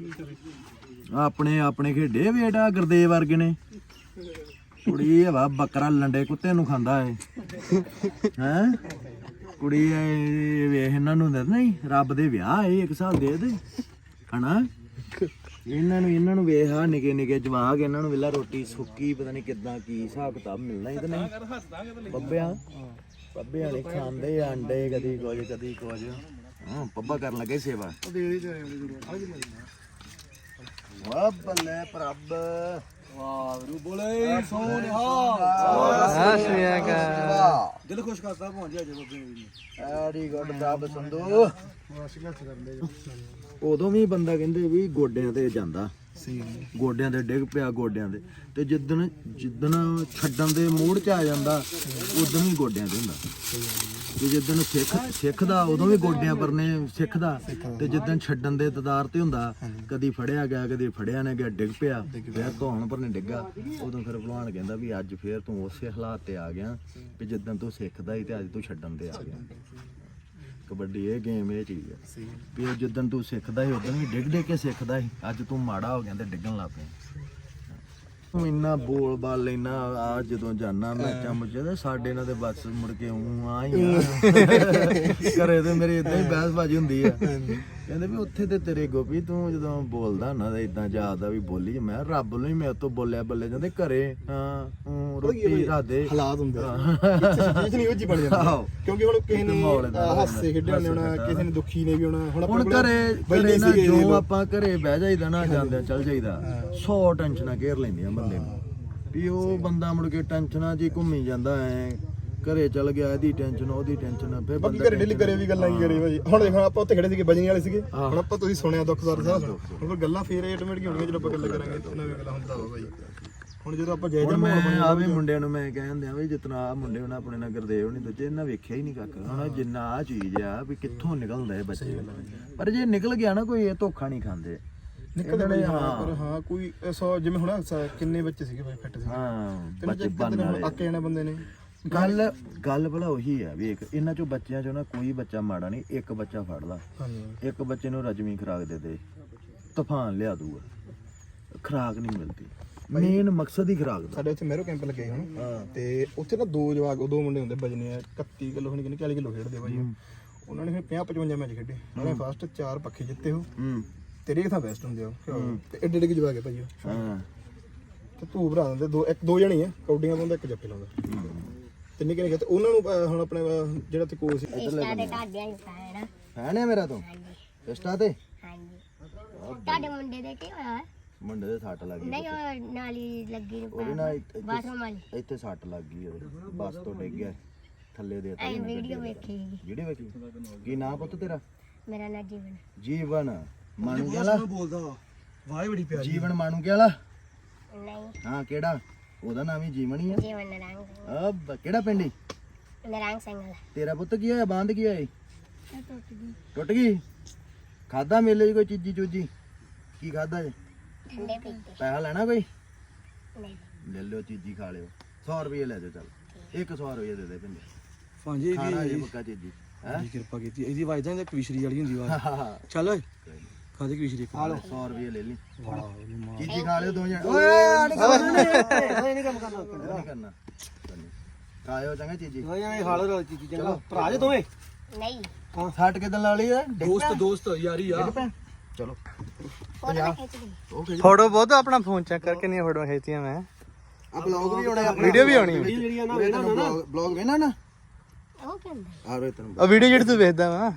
Speaker 1: ਆਪਣੇ ਖੇਡੇ ਵੇਟਾ ਗੁਰਦੇਵ ਵਰਗੇ ਨੇ। ਕੁੜੀ ਹਵਾ ਬੱਕਰਾ ਲੰਡੇ ਕੁੱਤੇ ਨੂੰ ਖਾਂਦਾ ਏ ਹੈ। ਕੁੜੀ ਵੇਖ ਇਹਨਾਂ ਨੂੰ ਨਹੀਂ ਰੱਬ ਦੇ ਵਿਆਹ ਏ ਇੱਕ ਹਿਸਾਬ ਦੇ ਹਨਾ। ਇਹਨਾਂ ਨੂੰ ਵੇਖ ਆ ਨਿੱਕੇ ਜਵਾਕ ਇਹਨਾਂ ਨੂੰ ਵੇਲਾ ਰੋਟੀ ਸੁੱਕੀ ਪਤਾ ਨਹੀਂ ਕਿੱਦਾਂ ਕੀ ਹਿਸਾਬ ਕਿਤਾਬ ਮਿਲਣਾ ਹੀ ਤੇ ਨਹੀਂ। ਪੱਬਿਆਂ ਨੇ ਖਾਂਦੇ ਆ ਅੰਡੇ ਕਦੀ ਕੁਝ ਹਾਂ ਪੱਬਾ ਕਰਨ ਲੱਗੇ ਸੇਵਾ। ਵਾਹ ਬੱਲੇ ਪ੍ਰਭ
Speaker 5: ਵਾਹਿਗੁਰੂ ਬੋਲੇ ਸੋਨਿਹਾ ਦਿਲ ਖੁਸ਼ ਕਰਦਾ ਭਾਂਜੀ ਅੱਜ ਬੱਬੇ ਨੇ।
Speaker 1: ਵੈਰੀ ਗੁੱਡ ਪ੍ਰਭ ਸੰਧੂ। ਉਦੋਂ ਵੀ ਬੰਦਾ ਕਹਿੰਦੇ ਵੀ ਗੋਡਿਆਂ ਤੇ ਜਾਂਦਾ ਗੋਡਿਆਂ ਤੇ ਡਿੱਗ ਪਿਆ ਗੋਡਿਆਂ ਤੇ ਤੇ ਜਿੱਦਣ ਛੱਡਣ ਦੇ ਮੂਡ 'ਚ ਆ ਜਾਂਦਾ ਉਦੋਂ ਵੀ ਗੋਡਿਆਂ ਤੇ ਹੁੰਦਾ। ਤੇ ਜਿੱਦਣ ਸਿੱਖਦਾ ਉਦੋਂ ਵੀ ਗੋਡਿਆਂ ਪਰਨੇ ਸਿੱਖਦਾ ਤੇ ਜਿੱਦਣ ਛੱਡਣ ਦੇ ਤਦਾਰ ਤੇ ਹੁੰਦਾ ਕਦੀ ਫੜਿਆ ਗਿਆ ਕਦੀ ਫੜਿਆ ਨਾ ਗਿਆ ਡਿੱਗ ਪਿਆ ਫਿਰ ਧੌਣ ਪਰਨੇ ਡਿੱਗਾ। ਉਦੋਂ ਫਿਰ ਭਲਵਾਨ ਕਹਿੰਦਾ ਵੀ ਅੱਜ ਫੇਰ ਤੂੰ ਉਸੇ ਹਾਲਾਤ ਤੇ ਆ ਗਿਆ ਵੀ ਜਿੱਦਣ ਤੂੰ ਸਿੱਖਦਾ ਸੀ ਤੇ ਅੱਜ ਤੂੰ ਛੱਡਣ ਤੇ ਆ ਗਿਆ। ਕਬੱਡੀ ਇਹ ਗੇਮ ਇਹ ਚੀਜ਼ ਹੈ ਵੀ ਜਿੱਦਣ ਤੂੰ ਸਿੱਖਦਾ ਸੀ ਉਦੋਂ ਵੀ ਡਿੱਗ ਕੇ ਸਿੱਖਦਾ ਸੀ। ਅੱਜ ਤੂੰ ਮਾੜਾ ਹੋ ਗਿਆ ਤੇ ਡਿੱਗਣ ਲੱਗ ਪਿਆ। ਤੂੰ ਇੰਨਾ ਬੋਲ ਬਾਲ ਲੈਣਾ ਆ ਜਦੋਂ ਜਾਣਾ ਮੈਚਾਂ ਮੁੱਚਾਂ ਤੇ ਸਾਡੇ ਨਾਲ ਤੇ ਬਸ ਮੁੜ ਕੇ ਆ ਹੀ ਘਰੇ ਤੇ ਮੇਰੀ ਇਦਾਂ ਹੀ ਬਹਿਸਬਾਜ਼ੀ ਹੁੰਦੀ ਆ ਕਹਿੰਦੇ ਵੀ ਉੱਥੇ ਤੇ ਤੇਰੇ ਗੋਪੀ ਤੂੰ ਜਦੋਂ ਬੋਲਦਾ ਨਾ ਤਾਂ ਇਦਾਂ ਜਾਪਦਾ ਵੀ ਬੋਲੀ ਮੈਂ ਰੱਬ ਨੂੰ ਹੀ ਮੇਰੇ ਤੋਂ ਬੋਲਿਆ ਬੱਲੇ ਜਾਂਦੇ ਘਰੇ ਹਾਂ ਰੋਟੀ ਰਾਦੇ
Speaker 5: ਹਾਲਾਤ ਹੁੰਦੇ ਚੀਜ਼ ਨਹੀਂ ਉਹ ਜੀ ਬਣ ਜਾਂਦੀ ਕਿਉਂਕਿ ਹੁਣ ਕਿਸੇ ਨੇ ਹਾਸੇ ਖੇਡੇ ਹੁੰਦੇ ਹੋਣਾ ਕਿਸੇ ਨੇ ਦੁਖੀ ਨੇ ਵੀ ਹੋਣਾ ਹੁਣ
Speaker 1: ਘਰੇ ਨਾ ਜੋ ਆਪਾਂ ਘਰੇ ਬਹਿ ਜਾਈਦਾ ਨਾ ਜਾਂਦੇ ਚੱਲ ਜਾਈਦਾ 100 ਟੈਨਸ਼ਨਾਂ ਘੇਰ ਲੈਂਦੀਆਂ ਬੰਦੇ ਨੂੰ ਵੀ ਉਹ ਬੰਦਾ ਮੁੜ ਕੇ ਟੈਨਸ਼ਨਾਂ 'ਚ ਹੀ ਘੁੰਮੀ ਜਾਂਦਾ ਐ ਘਰੇ ਚੱਲ ਗਿਆ ਇਹਦੀ ਟੈਨਸ਼ਨ ਉਹਦੀ ਟੈਨਸ਼ਨ ਫਿਰ
Speaker 5: ਬਾਕੀ ਘਰੇ ਡੇਲੀ ਕਰੇ ਵੀ ਗੱਲਾਂ ਕੀ ਕਰੀ ਭਾਜੀ ਹੁਣ ਦੇਖੋ ਆਪਾਂ ਉੱਥੇ ਖੜੇ ਸੀਗੇ ਬਜਣੀ ਵਾਲੇ ਸੀਗੇ ਹੁਣ ਆਪਾਂ ਤੁਸੀਂ ਸੁਣਿਆ ਦੁੱਖਦਾਰ ਸਾਹਿਬ ਹੁਣ ਫਿਰ ਗੱਲਾਂ ਫੇਰ ਆਟੋਮੈਟਿਕ ਹੋਣਗੀਆਂ ਜਦੋਂ ਆਪਾਂ ਗੱਲਾਂ ਕਰਾਂਗੇ ਤਾਂ ਨਵੀਂ ਗੱਲਾਂ ਹੁੰਦਾ ਵਾ ਭਾਈ ਹੁਣ ਜਦੋਂ ਆਪਾਂ ਜਾਇਦਾ ਮਾਹੌਲ ਬਣਿਆ
Speaker 1: ਆ ਵੀ ਮੁੰਡਿਆਂ ਨੂੰ ਮੈਂ ਕਹਿੰਦੇ ਆ ਵੀ ਜਿਤਨਾ ਆ ਮੁੰਡੇ ਹੁਣ ਆਪਣੇ ਨਾਲ ਗੁਰਦੇਵ ਨਹੀਂ ਦੂਜੇ ਇਹਨਾਂ ਵੇਖਿਆ ਹੀ ਨਹੀਂ ਕੱਖ ਹੁਣ ਜਿੰਨਾ ਆ ਚੀਜ਼ ਆ ਵੀ ਕਿੱਥੋਂ ਨਿਕਲਦਾ ਇਹ ਬੱਚੇ ਪਰ ਜੇ ਨਿਕਲ ਗਿਆ ਨਾ ਕੋਈ ਇਹ ਧੋਖਾ ਨਹੀਂ ਖਾਂਦੇ
Speaker 5: ਨਿਕਲਦੇ ਪਰ ਹਾਂ ਕੋਈ 100 ਜਿਵੇਂ ਹੁਣ ਕਿੰਨੇ ਬੱਚੇ ਸੀਗੇ ਭਾਈ ਫਿੱਟ ਸੀ
Speaker 1: ਹਾਂ
Speaker 5: ਤੇ
Speaker 1: ਬੱਚੇ ਬਣਨ ਵਾਲੇ
Speaker 5: ਅੱਕੇ ਜਾਣਾ ਬੰਦੇ ਨੇ
Speaker 1: ਗੱਲ ਭਲਾ ਉਹੀ ਆ ਵੇਖ ਇਹਨਾਂ ਚੋਂ ਬੱਚਿਆਂ ਚੋਂ ਨਾ ਕੋਈ ਬੱਚਾ ਮਾੜਾ ਨਹੀਂ ਇੱਕ ਬੱਚਾ ਫੜ ਲਾ ਇੱਕ ਬੱਚੇ ਨੂੰ ਰਜਵੀਂ ਖੁਰਾਕ ਦੇ ਤੂਫਾਨ ਲਿਆ ਦੂਗਾ ਖੁਰਾਕ ਨਹੀਂ ਮਿਲਦੀ ਮੇਨ ਮਕਸਦ ਹੀ ਖੁਰਾਕ ਦਾ
Speaker 5: ਸਾਡੇ ਉੱਥੇ ਮਹਿਰੋ ਕੈਂਪ ਲੱਗੇ ਹੁਣ ਤੇ ਉੱਥੇ ਨਾ ਦੋ ਮੁੰਡੇ ਹੁੰਦੇ ਬਜਨੇ ਆ 31 ਕਿਲੋ ਹੁਣ ਕਿੰਨੇ 40 ਕਿਲੋ ਖੇਡਦੇ ਭਾਈ ਉਹਨਾਂ ਨੇ ਫਿਰ 50-55 ਮੈਚ ਖੇਡੇ ਉਹਨਾਂ ਨੇ ਫਸਟ 4 ਪੱਖੇ ਜਿੱਤੇ ਹੋ ਤੇਰੇ ਕਿਥਾਂ ਬੈਸਟ ਹੁੰਦੇ ਆ ਤੇ ਏਡੇ ਏਡੇ ਜਵਾ ਕੇ ਭਾਈ
Speaker 1: ਹਾਂ
Speaker 5: ਤੇ ਤੂੰ ਭਰਾ ਦਿੰਦੇ ਦੋ ਜਣੇ ਆ ਕੌਡੀਆਂ ਪਾਉਂਦਾ ਇੱਕ ਜੱਫੇ ਲਾਉਂਦਾ ਤੇ ਨਿੱਕੇ ਨਿੱਕੇ ਤੇ ਉਹਨਾਂ ਨੂੰ ਹੁਣ ਆਪਣੇ ਜਿਹੜਾ ਤੇ ਕੋਚ ਸੀ
Speaker 3: ਇੰਸਟਾ ਤੇ ਤੁਹਾਡੇ ਹੀ ਫੈਨ ਆ
Speaker 1: ਫੈਨ ਹੈ ਮੇਰਾ ਤੂੰ ਇੰਸਟਾ ਤੇ
Speaker 3: ਹਾਂਜੀ ਤੁਹਾਡੇ ਮੁੰਡੇ ਦੇ ਕੀ ਹੋਇਆ
Speaker 1: ਮੁੰਡੇ ਦੇ ਸੱਟ ਲੱਗ ਗਈ
Speaker 3: ਨਹੀਂ ਉਹ ਨਾਲੀ ਲੱਗੀ ਨੂੰ
Speaker 1: ਉਹਦੇ ਨਾਲ
Speaker 3: ਬਾਥਰੂਮ ਵਾਲੀ
Speaker 1: ਇੱਥੇ ਸੱਟ ਲੱਗ ਗਈ ਉਹਦੇ ਬੱਸ ਤੋਂ ਡਿੱਗ ਗਿਆ ਥੱਲੇ ਦੇ
Speaker 3: ਐ ਵੀਡੀਓ ਵੇਖੀ
Speaker 1: ਜਿਹੜੀ ਵੇਖੀ ਕੀ ਨਾਂ ਪੁੱਤ ਤੇਰਾ
Speaker 3: ਮੇਰਾ ਨਾਂ ਜੀਵਨ
Speaker 1: ਜੀਵਨ ਮਾਣੂ ਵਾਲਾ
Speaker 2: ਬੋਲਦਾ ਵਾਹ ਬੜੀ ਪਿਆਰੀ
Speaker 1: ਜੀਵਨ ਮਾਣੂ ਵਾਲਾ
Speaker 3: ਨਹੀਂ
Speaker 1: ਹਾਂ ਕਿਹੜਾ ਉਹਦਾ ਨਾਮ ਹੀ ਜੀਵਨ ਹੀ ਆ
Speaker 3: ਜੀਵਨ ਨਰੰਗ
Speaker 1: ਕਿਹੜਾ ਪਿੰਡ ਈ
Speaker 3: ਨਰੰਗ ਸਿੰਘ ਵਾਲਾ
Speaker 1: ਤੇਰਾ ਪੁੱਤ ਕੀ ਹੋਇਆ ਬੰਦ ਕੀ ਹੋਇਆ ਈ?
Speaker 3: ਟੁੱਟ ਗਈ
Speaker 1: ਟੁੱਟ ਗਈ ਖਾਦਾ ਮੇਲੇ 'ਚ ਕੋਈ ਚੀਜ਼ੀ ਚੂਜੀ ਕੀ ਖਾਦਾ ਜੇ
Speaker 3: ਠੰਡੇ ਪੀਤੇ
Speaker 1: ਪੈਸਾ ਲੈਣਾ ਕੋਈ
Speaker 3: ਨਹੀਂ
Speaker 1: ਲੈ ਲਿਓ ਚੀਜ਼ੀ ਖਾ ਲਿਓ 100 ਰੁਪਏ ਲੈ ਜਾਓ ਚੱਲ 100 ਰੁਪਏ ਦੇ ਦੇ ਪਿੰਡੇ
Speaker 2: ਭਾਂਜੀ
Speaker 1: ਖਾਣਾ ਜੇ ਪੱਕਾ ਚੀਜ਼ੀ ਹੈ
Speaker 2: ਦੀ ਕਿਰਪਾ ਕੀਤੀ ਇਹਦੀ ਆਵਾਜ਼ ਤਾਂ ਕਵਿਸ਼ਰੀ ਵਾਲੀ ਹੁੰਦੀ ਆਵਾਜ਼ ਚੱਲ ਓਏ ਖਾਦੇ ਕਵਿਸ਼ਰੀ
Speaker 1: ਖਾ ਲਓ 100 ਰੁਪਏ ਲੈ ਲਈ
Speaker 2: ਵਾਹ
Speaker 1: ਚੀਜ਼ੀ ਖਾ ਲਿਓ ਦੋ ਜਣੇ ਓਏ ਆ ਨਹੀਂ ਕੰਮ ਕਰਨਾ ਖਾਇਓ ਚੰਗਾ ਚੀਜ਼ੀ
Speaker 2: ਓਏ ਖਾ ਲੋ ਚੀਜ਼ੀ ਚੰਗਾ ਭਰਾ ਜੇ ਦੋਵੇਂ
Speaker 3: ਨਹੀਂ
Speaker 1: ਸੱਟ ਕਿਦਾਂ ਲਾ ਲਈ ਆ
Speaker 2: ਦੋਸਤ ਯਾਰੀ ਆ
Speaker 1: ਚਲੋ
Speaker 3: ਫੋਟੋ ਖਿੱਚ ਲਈ
Speaker 7: ਫੋਟੋ ਬਹੁਤ ਆਪਣਾ ਫੋਨ ਚੈੱਕ ਕਰਕੇ ਨਹੀਂ ਫੋਟੋ ਖਿੱਚੀਆਂ ਮੈਂ
Speaker 1: ਆ ਬਲੌਗ ਵੀ ਆਉਣਾ
Speaker 7: ਵੀਡੀਓ ਵੀ ਆਉਣੀ
Speaker 2: ਜਿਹੜੀਆਂ ਨਾ ਵੇਣਾ ਨਾ
Speaker 1: ਬਲੌਗ ਵੇਣਾ ਨਾ
Speaker 3: ਉਹ ਕੀ ਹੁੰਦਾ
Speaker 1: ਆ ਰੇ ਤੈਨੂੰ
Speaker 7: ਆ ਵੀਡੀਓ ਜਿਹੜੀ ਤੂੰ ਵੇਖਦਾ ਵਾ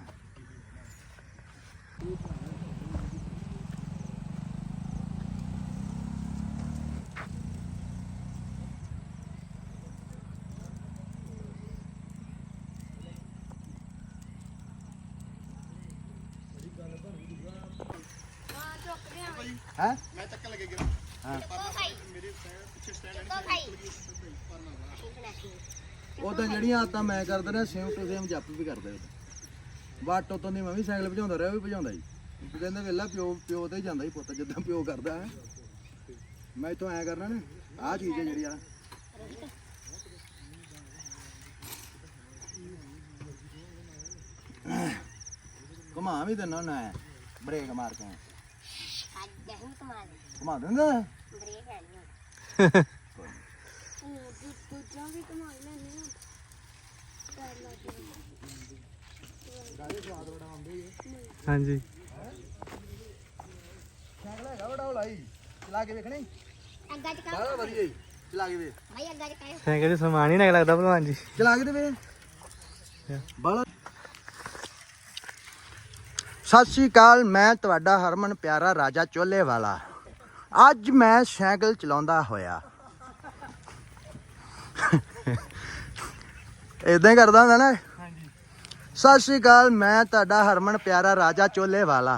Speaker 1: ਹੈ
Speaker 5: ਮੈਂ ਚੱਕਣ ਲੱਗੇ ਗਿਆ
Speaker 1: ਉਹ ਤਾਂ ਜਿਹੜੀਆਂ ਆਦਤਾਂ ਮੈਂ ਕਰਦਾ ਰਿਹਾ ਸੇਮ ਟੂ ਸੇਮ ਜੱਪ ਵੀ ਕਰਦਾ ਵਾਟ ਉਤੋਂ ਦੀ ਮੈਂ ਵੀ ਸਾਈਕਲ ਭਜਾਉਂਦਾ ਰਿਹਾ ਉਹ ਵੀ ਭਜਾਉਂਦਾ ਜੀ ਕਹਿੰਦੇ ਵੇਲਾ ਪਿਓ ਤੇ ਹੀ ਜਾਂਦਾ ਹੀ ਪੁੱਤ ਜਿੱਦਾਂ ਪਿਓ ਕਰਦਾ ਹੈ ਮੈਂ ਇਥੋਂ ਐ ਕਰਨਾ ਨਾ ਆਹ ਚੀਜ਼ ਹੈ ਜਿਹੜੀ ਆ ਘੁਮਾ ਵੀ ਦਿੰਦਾ ਨਾ ਬ੍ਰੇਕ ਮਾਰ ਕੇ
Speaker 3: ਅੱਜ ਨਹੀਂ ਕਮਾਲ
Speaker 1: ਘੁਮਾ ਦਿੰਦਾ
Speaker 3: ਬ੍ਰੇਕ ਹੈ ਨਹੀਂ ਦੂਜਾ ਵੀ ਕਮਾਲ ਲੈਣੇ
Speaker 7: ਹਾਂਜੀ
Speaker 1: ਸਾਈਕਲ ਹੈਗਾ ਬੜਾ ਹੌਲਾਈ ਚਲਾ ਕੇ ਵੇਖਣੀ
Speaker 3: ਅੱਗਾ ਚ
Speaker 1: ਬੜਾ ਵਧੀਆ ਜੀ ਚਲਾ ਕੇ ਵੇ
Speaker 3: ਭਾਈ ਅੱਗਾ ਚ ਕਾਇਓ
Speaker 7: ਸਾਈਕਲ 'ਚ ਸਮਾਨ ਹੀ ਨਾ ਲੱਗਦਾ ਭਲਵਾਨ ਜੀ
Speaker 1: ਚਲਾ ਕੇ ਤੇ ਵੇ ਬੜਾ ਸਤਿ ਸ਼੍ਰੀ ਅਕਾਲ ਮੈਂ ਤੁਹਾਡਾ ਹਰਮਨ ਪਿਆਰਾ ਰਾਜਾ ਚੋਲੇ ਵਾਲਾ ਅੱਜ ਮੈਂ ਸਾਈਕਲ ਚਲਾਉਂਦਾ ਹੋਇਆ ਇਦਾਂ ਹੀ ਕਰਦਾ ਹੁੰਦਾ ਨਾ ਸਤਿ ਸ਼੍ਰੀ ਅਕਾਲ ਮੈਂ ਤੁਹਾਡਾ ਹਰਮਨ ਪਿਆਰਾ ਰਾਜਾ ਚੋਲੇ ਵਾਲਾ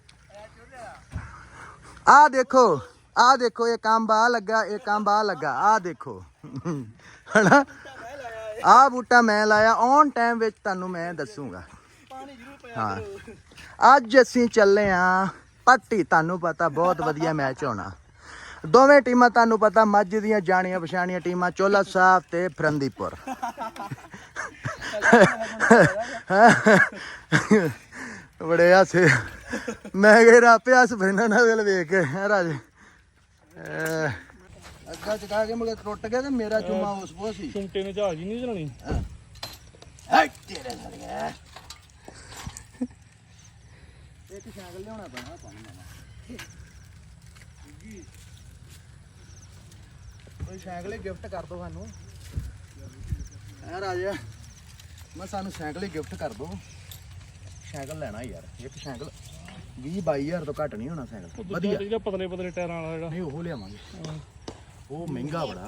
Speaker 1: ਆਹ ਦੇਖੋ ਇਹ ਕੰਮ ਆ ਲੱਗਾ ਇਹ ਕੰਮ ਆ ਲੱਗਾ ਆਹ ਦੇਖੋ ਹਨਾ ਆਹ ਬੂਟਾ ਮੈਂ ਲਾਇਆ ਔਨ ਟਾਈਮ ਵਿੱਚ ਤੁਹਾਨੂੰ ਮੈਂ ਦੱਸੂਗਾ ਹਾਂ ਅੱਜ ਅਸੀਂ ਚੱਲੇ ਆਂ ਪੱਟੀ ਤੁਹਾਨੂੰ ਪਤਾ ਬਹੁਤ ਵਧੀਆ ਮੈਚ ਹੋਣਾ ਦੋਵੇਂ ਟੀਮਾਂ ਤੁਹਾਨੂੰ ਪਤਾ ਮੱਝ ਦੀਆਂ ਜਾਣੀਆਂ ਪਛਾਣੀਆਂ ਟੀਮਾਂ ਚੋਲਾ ਸਾਹਿਬ ਤੇ ਫਰੰਦੀਪੁਰ ਬੜੇ ਹਾਸੇ ਮੈਂ ਕਿਹਾ ਆਪੇ ਹੱਸ ਪੈਣਾ ਨਾ ਵੇਲ ਵੇਖ ਕੇ ਹੈ ਰਾਜੇ ਅੱਗਾ ਚਕਾ ਕੇ ਮੁੜ ਟੁੱਟ ਗਿਆ ਤੇ ਮੇਰਾ ਚੁੰਮਾ ਉਸ ਪੋ ਸੀ
Speaker 4: ਚੁੰਮਟੇ ਨੇ ਜਹਾਜ਼ ਹੀ ਨਹੀਂ ਚਲਾਉਣੀ
Speaker 1: ਹੈ ਤੇਰੇ ਨਾਲ
Speaker 5: ਇੱਕ ਸਾਈਕਲ ਲਿਆਉਣਾ ਪੈਣਾ ਆਪਾਂ ਨੂੰ ਨਵਾਂ। ਕੋਈ ਸਾਈਕਲ ਹੀ ਗਿਫਟ ਕਰ ਦੋ ਸਾਨੂੰ।
Speaker 1: ਐ ਰਾਜਾ ਮੈਂ ਸਾਨੂੰ ਸਾਈਕਲ ਹੀ ਗਿਫਟ ਕਰ ਦੋ। ਸਾਈਕਲ ਲੈਣਾ ਯਾਰ, ਇੱਕ ਸਾਈਕਲ 20-22 ਤੋਂ ਘੱਟ ਨਹੀਂ ਹੋਣਾ ਸਾਈਕਲ। ਵਧੀਆ
Speaker 4: ਜਿਹੜਾ ਪਤਲੇ ਪਤਲੇ ਟਾਇਰਾਂ ਵਾਲਾ ਜਿਹੜਾ
Speaker 1: ਨਹੀਂ ਉਹ ਲਿਆਵਾਂਗੇ, ਉਹ ਮਹਿੰਗਾ ਬੜਾ,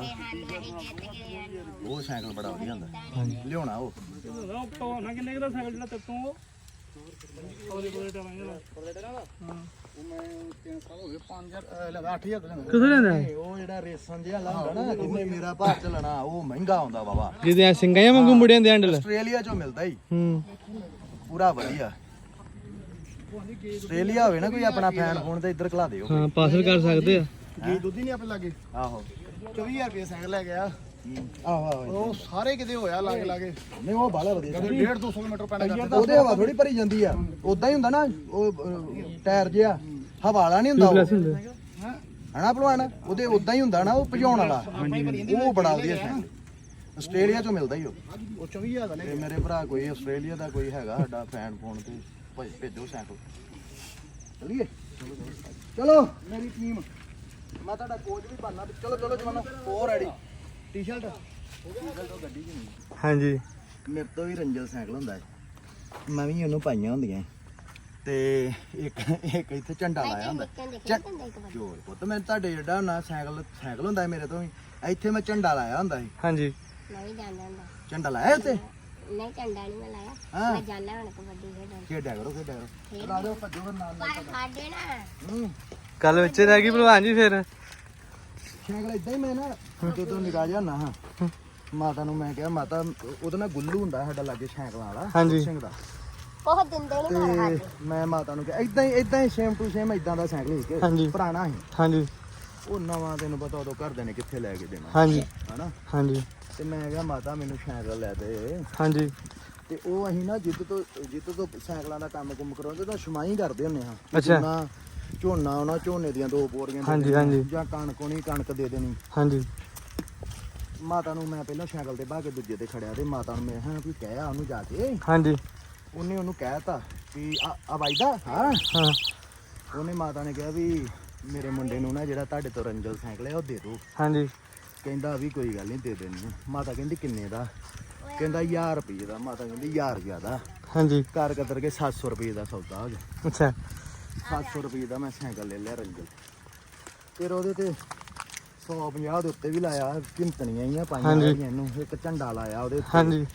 Speaker 1: ਉਹ ਸਾਈਕਲ ਬੜਾ ਵਧੀਆ ਹੁੰਦਾ ਲਿਆਉਣਾ। ਉਹ
Speaker 4: ਨਾ ਕਿੰਨੇ ਦਾ ਸਾਈਕਲ ਜਿਹੜਾ ਤੇਤੋਂ ਪਤਲੇ ਪਤਲੇ ਟਾਇਰਾਂ ਜਿਹੜਾ
Speaker 5: ਉਹ ਮੈਂ 3 ਸਾਲ ਹੋ ਗਏ 5000 ਦਾ ਲੈਂਦਾ।
Speaker 7: ਕਿਥੋਂ ਲੈਂਦਾ
Speaker 1: ਉਹ ਜਿਹੜਾ ਰੇਸਨ ਜਿਹਾ ਹੁੰਦਾ ਨਾ, ਜਿਹਨੇ ਮੇਰਾ ਭਾਰ ਚਲਣਾ, ਉਹ ਮਹਿੰਗਾ ਹੁੰਦਾ ਬਾਬਾ।
Speaker 7: ਜਿਹਦੇ ਸਿੰਘਾਂ ਵਾਂਗੂ ਮੁੜਿਆਂ ਦੇ ਹੈਂਡਲ।
Speaker 1: ਆਸਟ੍ਰੇਲੀਆ ਚੋਂ ਮਿਲਦਾ ਹੀ
Speaker 7: ਪੂਰਾ
Speaker 1: ਵਧੀਆ। ਆਸਟ੍ਰੇਲੀਆ ਹੋਵੇ ਨਾ ਕੋਈ ਆਪਣਾ ਫੈਨ ਫੋਨ ਤੇ ਇੱਧਰ ਖਲਾ ਦਿਓ।
Speaker 7: ਹਾਂ ਪਾਸ ਵੀ ਕਰ ਸਕਦੇ ਆ।
Speaker 5: ਗੀ ਦੁੱਧ ਹੀ ਨਹੀਂ ਆਪਣੇ ਲਾਗੇ।
Speaker 1: ਆਹੋ
Speaker 5: 24000 ਰੁਪਏ ਸਾਈਕਲ ਲੈ ਗਿਆ।
Speaker 1: ਆਹੋ
Speaker 5: ਉਹ ਸਾਰੇ ਕਿਤੇ ਹੋਇਆ ਲਾਗੇ ਲਾਗੇ।
Speaker 1: ਨਹੀਂ ਉਹ ਬਾਲਾ ਵਧੀਆ।
Speaker 5: 150-200 ਮੀਟਰ ਪੈਂਦਾ ਕਰਦਾ।
Speaker 1: ਉਹਦੇ ਹਵਾ ਥੋੜੀ ਭਰੀ ਜਾਂਦੀ ਆ, ਉਦਾਂ ਹੀ ਹੁੰਦਾ ਨਾ ਉਹ ਟਾਇਰ ਜਿਹਾ ਹਵਾ ਵਾਲਾ ਨਹੀਂ ਹੁੰਦਾ ਉਹ, ਹਨਾ ਭਲਵਾਨ? ਉਹਦੇ ਉਦਾਂ ਹੀ ਹੁੰਦਾ ਨਾ, ਉਹ ਭਜਾਉਣ ਵਾਲਾ। ਉਹ ਬੜਾ ਵਧੀਆ ਸਾਈਕਲ ਆਸਟ੍ਰੇਲੀਆ ਚੋਂ ਮਿਲਦਾ ਹੀ ਉਹ।
Speaker 5: 24000 ਦਾ ਲੈ
Speaker 1: ਤੇ ਮੇਰੇ ਭਰਾ ਕੋਈ ਆਸਟ੍ਰੇਲੀਆ ਦਾ ਕੋਈ ਹੈਗਾ ਸਾਡਾ ਫੈਨ ਫੋਨ ਤੇ ਭੇਜੋ ਸਾਈਕਲ। ਚਲੀਏ ਚਲੋ ਮੇਰੀ ਟੀਮ, ਮੈਂ ਤੁਹਾਡਾ ਕੋਚ ਵੀ ਬਣਨਾ। ਚਲੋ ਚਲੋ ਜਵਾਨੋ, ਹੋ ਰੈਡੀ।
Speaker 5: ਟੀ-ਸ਼ਰਟ
Speaker 1: ਗੱਡੀ ਚ ਨਹੀਂ,
Speaker 7: ਹਾਂਜੀ
Speaker 1: ਮੇਰੇ ਤੋਂ ਵੀ ਰੰਜਲ ਸਾਈਕਲ ਹੁੰਦਾ ਹੈ, ਮੈਂ ਵੀ ਉਹਨੂੰ ਪਾਈਆਂ ਹੁੰਦੀਆਂ। ਤੇ ਇੱਕ ਇੱਥੇ ਝੰਡਾ ਲਾਇਆ ਹੁੰਦਾ। ਜੋਰ ਪੁੱਤ ਮੈਂ ਤੁਹਾਡੇ ਜਿਹੜਾ ਨਾ ਸਾਈਕਲ ਹੁੰਦਾ ਮੇਰੇ ਤੋਂ ਵੀ, ਇੱਥੇ ਮੈਂ ਝੰਡਾ ਲਾਇਆ ਹੁੰਦਾ ਸੀ।
Speaker 7: ਹਾਂਜੀ
Speaker 3: ਨਹੀਂ ਜਾਂਦਾ ਹੁੰਦਾ।
Speaker 1: ਝੰਡਾ ਲਾਇਆ ਉੱਤੇ?
Speaker 3: ਨਹੀਂ ਝੰਡਾ ਨਹੀਂ ਮੈਂ ਲਾਇਆ।
Speaker 1: ਹਾਂ।
Speaker 3: ਮੈਂ ਜਾਣਾ ਹੁਣ ਕਬੱਡੀ ਖੇਡਣ।
Speaker 1: ਖੇਡਿਆ ਕਰੋ ਲਾ ਦਿਓ, ਭੱਜੋ ਨਾਲ
Speaker 3: ਪਰ ਸਾਡੇ ਨਾ
Speaker 7: ਕੱਲ ਵਿੱਚ ਰਹਿ ਗਈ ਭਲਵਾਨ ਜੀ ਫਿਰ।
Speaker 1: ਸਾਈਕਲ ਇਦਾਂ ਹੀ ਮੈਂ ਨਾ ਜਦੋਂ ਨਿਕਾ ਜਾਣਾ ਹਾਂ, ਮਾਤਾ ਨੂੰ ਮੈਂ ਕਿਹਾ ਮਾਤਾ ਉਹਦੇ ਨਾਲ ਗੁੱਲੂ ਹੁੰਦਾ ਸਾਡਾ ਲਾਗੇ ਸਾਈਕਲਾਂ ਵਾਲਾ
Speaker 7: ਹਾਂਜੀ।
Speaker 1: ਸਿੰਘ ਦਾ,
Speaker 3: ਉਹ ਦਿੰਦੇ ਨਹੀਂ ਮਾਰ
Speaker 1: ਤੇ ਮੈਂ ਮਾਤਾ ਨੂੰ ਕਿਹਾ ਇਦਾਂ ਹੀ ਸੇਮ ਟੂ ਸੇਮ ਇਦਾਂ ਦਾ ਸਾਈਕਲ ਸੀ
Speaker 7: ਹਾਂਜੀ।
Speaker 1: ਕਿ ਪੁਰਾਣਾ ਸੀ।
Speaker 7: ਹਾਂਜੀ
Speaker 1: ਉਹ ਨਵਾਂ ਤੈਨੂੰ ਪਤਾ ਉਦੋਂ ਘਰਦਿਆਂ ਨੇ ਕਿੱਥੇ ਲੈ ਕੇ ਦੇਣਾ,
Speaker 7: ਹਾਂਜੀ
Speaker 1: ਹਨਾ?
Speaker 7: ਹਾਂਜੀ
Speaker 1: ਤੇ ਮੈਂ ਕਿਹਾ ਮਾਤਾ ਮੈਨੂੰ ਸਾਈਕਲ ਲੈ ਦੇ।
Speaker 7: ਹਾਂਜੀ
Speaker 1: ਤੇ ਉਹ ਅਸੀਂ ਨਾ ਜਿੱਤ ਤੋਂ ਸਾਈਕਲਾਂ ਦਾ ਕੰਮ ਕਰਾਉਂਦੇ ਤਾਂ ਛਮਾਈ ਕਰਦੇ ਹੁੰਦੇ ਹਾਂ।
Speaker 7: ਅੱਛਾ।
Speaker 1: ਝੋਨਾ ਉਹਨਾਂ ਝੋਨੇ ਦੀਆਂ 2 ਬੋਰੀਆਂ ਦੇ
Speaker 7: ਹਾਂਜੀ,
Speaker 1: ਦੇਣੀਆਂ,
Speaker 7: ਹਾਂਜੀ।
Speaker 1: ਜਾਂ ਕਣਕ ਹੋਣੀ ਕਣਕ ਦੇ ਦੇਣੀ।
Speaker 7: ਹਾਂਜੀ
Speaker 1: ਮਾਤਾ ਨੂੰ ਮੈਂ ਪਹਿਲਾਂ ਸਾਈਕਲ ਤੇ ਬਾ ਕੇ ਦੂਜੇ ਤੇ ਖੜਿਆ, ਤੇ ਮਾਤਾ ਨੂੰ ਮੈਂ ਕਿਹਾ ਵੀ ਕਹਿਆ ਉਹਨੂੰ ਜਾ ਕੇ।
Speaker 7: ਹਾਂਜੀ
Speaker 1: ਉਹਨੇ ਉਹਨੂੰ ਕਹਿਤਾ ਵੀ ਆ ਵਾਈਦਾ ਹਾਂ।
Speaker 7: ਹਾਂ
Speaker 1: ਉਹਨੇ ਮਾਤਾ ਨੇ ਕਿਹਾ ਵੀ ਮੇਰੇ ਮੁੰਡੇ ਨੂੰ ਨਾ ਜਿਹੜਾ ਤੁਹਾਡੇ ਤੋਂ ਰੰਜਲ ਸਾਈਕਲ ਹੈ ਉਹ ਦੇ ਦਿਓ।
Speaker 7: ਹਾਂਜੀ
Speaker 1: ਕਹਿੰਦਾ ਵੀ ਕੋਈ ਗੱਲ ਨਹੀਂ ਦੇ ਦੇਣੀ। ਮਾਤਾ ਕਹਿੰਦੀ ਕਿੰਨੇ ਦਾ? ਕਹਿੰਦਾ 1000 ਰੁਪਏ ਦਾ। ਮਾਤਾ ਕਹਿੰਦੀ 1000 ਜ਼ਿਆਦਾ।
Speaker 7: ਹਾਂਜੀ
Speaker 1: ਘਰ ਕਤਰ ਕੇ 700 ਰੁਪਏ ਦਾ ਸੌਦਾ ਹੋ ਗਿਆ।
Speaker 7: ਅੱਛਾ
Speaker 1: 700 ਰੁਪਏ ਦਾ ਮੈਂ ਸਾਈਕਲ ਲੈ ਲਿਆ ਰੰਜਲ। ਫਿਰ ਉਹਦੇ ਤੇ 150 ਦੇ ਉੱਤੇ ਵੀ ਲਾਇਆ, ਘਿੰਤਣੀਆਂ ਹੀ ਆ ਪਾਈਆਂ ਹੋਈਆਂ ਇਹਨੂੰ, ਇੱਕ ਝੰਡਾ ਲਾਇਆ ਉਹਦੇ ਉੱਤੇ।
Speaker 7: ਹਾਂਜੀ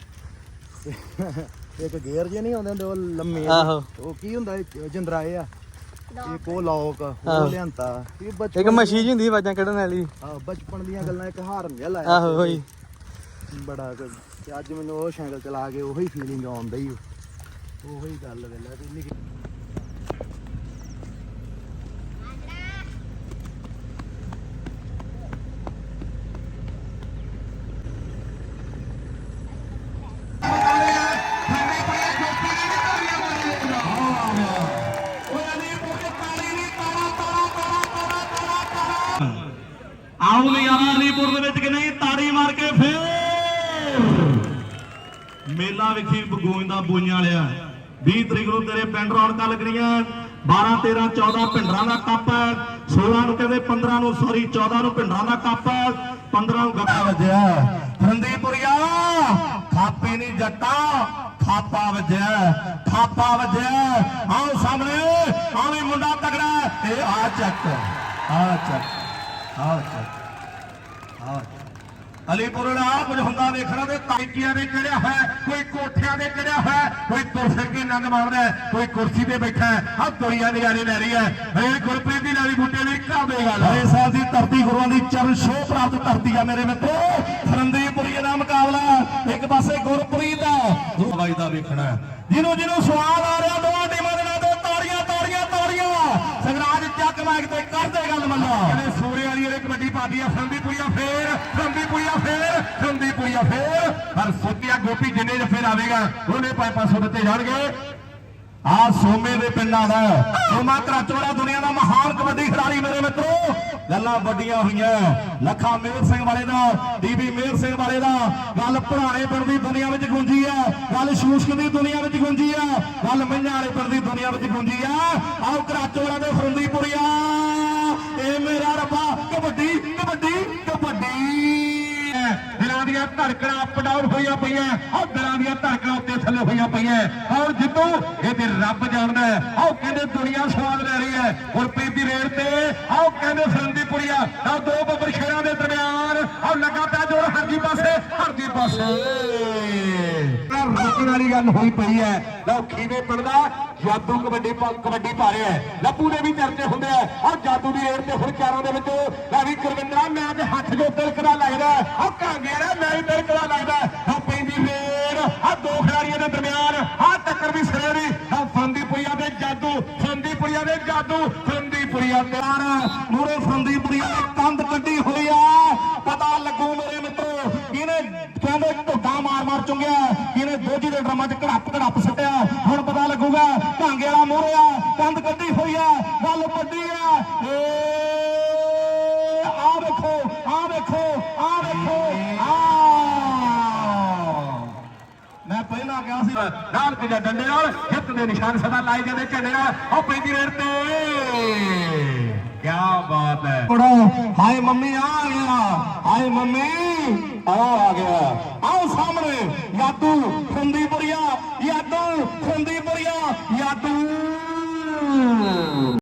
Speaker 1: ਇੱਕ ਗੇਅਰ ਜੇ ਨਹੀਂ ਆਉਂਦੇ ਹੁੰਦੇ ਉਹ ਲੰਮੇ,
Speaker 7: ਆਹੋ।
Speaker 1: ਉਹ ਕੀ ਹੁੰਦਾ ਜਿੰਦਰਾਏ ਆ, ਇੱਕ ਉਹ ਲੋਕ
Speaker 7: ਆਹੋ।
Speaker 1: ਉਹ ਲਿਆਂਤਾ। ਇਹ ਬਚਪਨ
Speaker 7: ਇੱਕ ਮਸ਼ੀਨ ਜੀ ਹੁੰਦੀ ਆਵਾਜ਼ਾਂ ਕੱਢਣ ਵਾਲੀ।
Speaker 1: ਬਚਪਨ ਦੀਆਂ ਗੱਲਾਂ, ਇੱਕ ਹਾਰਨ ਜਿਹਾ ਲਾਇਆ
Speaker 7: ਆਹੋ ਹੋਈ।
Speaker 1: ਬੜਾ ਕੁਝ। ਤੇ ਅੱਜ ਮੈਨੂੰ ਉਹ ਸਾਈਕਲ ਚਲਾ ਕੇ ਉਹੀ ਫੀਲਿੰਗ ਆਉਂਦਾ ਹੀ, ਉਹੀ ਗੱਲ ਵੇਲਾ ਤੇ ਨਿੱਕੀ।
Speaker 8: ਆਉ ਨਜ਼ਾਰਾ ਅਲੀਪੁਰ ਦੇ ਵਿੱਚ ਕਿ ਨਹੀਂ, ਤਾੜੀ ਮਾਰ ਕੇ ਫੇਰ ਮੇਲਾ ਵੇਖੀ ਗੋਇੰਦਾ ਬੂਈਆਂ ਵਾਲਿਆ। 20 ਤਰੀਕ ਨੂੰ ਤੇਰੇ ਪਿੰਡ ਰੌਣਕਾਂ ਲੱਗਣੀਆਂ। 12 13 14 ਪਿੰਡਰਾਂ ਦਾ ਕੱਪ ਹੈ। 16 ਨੂੰ ਕਹਿੰਦੇ 15 ਨੂੰ 14 ਨੂੰ ਪਿੰਡਰਾਂ ਦਾ ਕੱਪ ਹੈ। 15 ਨੂੰ ਗੱਪਾ ਵੱਜਿਆ ਫਰੰਦੀਪੁਰੀਆ। ਖਾਪੇ ਨਹੀਂ ਜੱਟਾ, ਖਾਪਾ ਵੱਜਿਆ, ਖਾਪਾ ਵੱਜਿਆ। ਆਓ ਸਾਹਮਣੇ ਆਵੇਂ ਮੁੰਡਾ ਤਗੜਾ। ਇਹ ਆ ਚੱਕ, ਆ ਚੱਕ, ਆ ਚੱਕ, ਆ ਅਲੀਪੁਰ ਵਾਲਾ ਕੁਝ ਹੁੰਦਾ ਵੇਖਣਾ ਤੇ ਤਾਈਕੀਆਂ ਦੇ ਚੜਿਆ ਹੋਇਆ, ਕੋਈ ਕੋਠਿਆਂ ਦੇ ਚੜਿਆ ਹੋਇਆ, ਕੋਈ ਤੁਰਸੇ ਕੇ ਨੰਗ ਮਾਰਦਾ, ਕੋਈ ਕੁਰਸੀ ਤੇ ਬੈਠਾ। ਆ ਦੁਨੀਆ ਨਜ਼ਾਰੇ ਲੈ ਰਹੀ ਹੈ। ਇਹ ਗੁਰਪ੍ਰੀਤ ਦੀ ਨਾਲੀ ਬੂਟੇ ਦੀ ਕਾਬੇ ਗੱਲ ਹੈ। ਇਸ ਸਾਲ ਦੀ ਧਰਤੀ ਗੁਰੂਆਂ ਦੀ ਚਰਨ ਛੋਹ ਪ੍ਰਾਪਤ ਧਰਤੀ ਆ ਮੇਰੇ ਮਿੱਤਰੋ। ਫਰੰਦੀਪੁਰੀਏ ਦਾ ਮੁਕਾਬਲਾ, ਇੱਕ ਪਾਸੇ ਗੁਰਪ੍ਰੀਤ ਦਾ ਹਵਾਈ ਦਾ ਵੇਖਣਾ। ਜਿਹਨੂੰ ਸਵਾਦ ਆ ਰਿਹਾ, ਦੋਵਾਂ ਟੀਮਾਂ ਦੇ ਨਾਲ ਤਾੜੀਆਂ ਤਾੜੀਆਂ ਤਾੜੀਆਂ। ਸੰਗਰਾਜ ਚੱਕ ਮਾਈਕ ਤੇ ਕਰਦੇ ਗੱਲ ਮੰਨਾ। ਕਹਿੰਦੇ ਸੂਰੇ ਵਾਲੀ ਇਹ ਕਬੱਡੀ ਪਾਦੀ ਆ। ਫਰੰਦੀਪੁਰੀਆ ਫੇਰ, ਫਰੰਦੀਪੁਰੀਆ ਫੇਰ, ਫਰੰਦੀਪੁਰੀਆ ਫੇਰ। ਪਰ ਸੋਤੀਆ ਗੋਪੀ ਜਿੰਨੇ ਜਫੇ ਲਾਵੇਗਾ ਉਹਨੇ 500 ਦਿੱਤੇ ਜਾਣਗੇ। ਆ ਸੋਮੇ ਦੇ ਪਿੰਡਾਂ ਦਾ ਸੋਮਾ ਕਰਾਚੋੜਾ ਦੁਨੀਆ ਦਾ ਮਹਾਨ ਕਬੱਡੀ ਖਿਡਾਰੀ ਮੇਰੇ ਮਿੱਤਰੋ। ਲੱਲਾ ਵੱਡੀਆਂ ਹੋਈਆਂ ਲੱਖਾ ਮੇਰ ਸਿੰਘ ਵਾਲੇ ਦਾ ਬੀਬੀ ਮੇਰ ਸਿੰਘ ਵਾਲੇ ਦਾ ਗੱਲ ਪੁਰਾਣੇ ਪਿੰਡ ਦੀ ਦੁਨੀਆ ਵਿੱਚ ਗੂੰਜੀ ਆ ਗੱਲ ਸ਼ੂਸ਼ਕ ਦੀ ਦੁਨੀਆ ਵਿੱਚ ਗੂੰਜੀ ਆ ਗੱਲ ਮਈਆਂ ਵਾਲੇ ਪਿੰਡ ਦੀ ਦੁਨੀਆ ਵਿੱਚ ਗੂੰਜੀ ਆ ਆਓ ਕਰਾਚੋ ਵਾਲਿਆਂ ਦੇ ਫਰੰਦੀਪੁਰੀਆ ਇਹ ਮੇਰਾ ਰੱਬਾ ਕਬੱਡੀ ਕਬੱਡੀ ਕਬੱਡੀ ਦਿਲਾਂ ਦੀਆਂ ਧੜਕਣਾਂ ਅਪ ਡਾਊਨ ਹੋਈਆਂ ਪਈਆਂ ਆਹ ਦਿਲਾਂ ਦੀਆਂ ਧੜਕਣਾਂ ਉੱਤੇ ਥੱਲੇ ਹੋਈਆਂ ਪਈਆਂ ਔਰ ਜਿੱਦੋਂ ਇਹ ਤੇ ਰੱਬ ਜਾਣਦਾ ਆਹ ਕਹਿੰਦੇ ਦੁਨੀਆ ਸਵਾਦ ਲੈ ਰਹੀ ਹੈ ਗੁਰਪ੍ਰੀਤ ਦੀ ਰੇਡ ਤੇ ਆਹ ਕਹਿੰਦੇ ਫਰੰਦੀਪੁਰੀਆ ਆਹ ਦੋ ਬੱਬਰ ਸ਼ੇਰਾਂ ਦੇ ਦਰਮਿਆਨ ਆਹ ਲੱਗਾ ਪਿਆ ਜੋਰ ਹਰਜੀ ਪਾਸੇ ਰੋਕਣ ਵਾਲੀ ਗੱਲ ਹੋਈ ਪਈ ਹੈ ਲਓ ਖੀਵੇ ਪਿੰਡ ਦਾ ਜਾਦੂ ਕਬੱਡੀ ਪਾ ਰਿਹਾ ਹੈ ਲੱਭੂ ਦੇ ਵੀ ਚਰਚੇ ਹੁੰਦੇ ਆ ਆਹ ਜਾਦੂ ਦੀ ਰੇਡ ਤੇ ਹੁਣ ਚਾਰਾਂ ਦੇ ਵਿੱਚ ਲੈ ਵੀ ਗੁਰਵਿੰਦਰਾ ਮੈਂ ਤੇ ਹੱਥ ਜੋ ਤਿਲਕਦਾ ਲੱਗਦਾ ਆਹ ਕਾਂਗੇ ਨਾ ਮੈਂ ਵੀ ਤਿਲਕਦਾ ਲੱਗਦਾ ਆਹ ਪੈਂਦੀ ਰੇਡ ਆਹ ਦੋ ਖਿਡਾਰੀਆਂ ਦੇ ਦਰਮਿਆਨ ਆਹ ਟੱਕਰ ਵੀ ਸਿਰੇ ਦੀ ਆਹ ਫਰੰਦੀਪੁਰੀਆ ਦੇ ਜਾਦੂ ਫਰੰਦੀਪੁਰੀਆ ਦੇ ਮੂਰੇ ਫਰੰਦੀਪੁਰੀਆ ਨੇ ਕੰਧ ਕੱਢੀ ਹੋਈ ਆ ਪਤਾ ਲੱਗੂ ਮੇਰੇ ਮਿੱਤਰੋ ਕਿਹਨੇ ਕਹਿੰਦੇ ਢੋਡਾ ਮਾਰ ਚੁੰਗਿਆ ਕਿਹਨੇ ਦੋਜੀ ਦੇ ਡਰਮਾਂ 'ਚ ਘੜੱਪ ਸੁੱਟਿਆ ਹੁਣ ਪਤਾ ਲੱਗੂਗਾ ਢਾਂਗੇ ਵਾਲਾ ਮੂਹਰੇ ਆ ਕੰਧ ਕੱਢੀ ਹੋਈ ਆ ਗੱਲ ਵੱਡੀ ਆ ਆ ਵੇਖੋ ਮੈਂ ਪਹਿਲਾਂ ਕਿਹਾ ਸੀ ਨਾਲ ਤੇ ਡੰਡੇ ਨਾਲ ਜਿੱਤ ਦੇ ਨਿਸ਼ਾਨ ਸਦਾ ਲਾਏ ਜਾਂਦੇ ਝੰਡੇ ਨਾਲ ਉਹ ਪੈਂਦੀ ਰੇਡ ਤੇ ਕੀ ਬਾਤ ਹੈ ਹਾਏ ਮੰਮੀ ਆ ਗਿਆ ਹਾਏ ਮੰਮੀ ਆ ਗਿਆ ਆਓ ਸਾਹਮਣੇ ਯਾਦੂ ਫਰੰਦੀਪੁਰੀਆ ਯਾਦੂ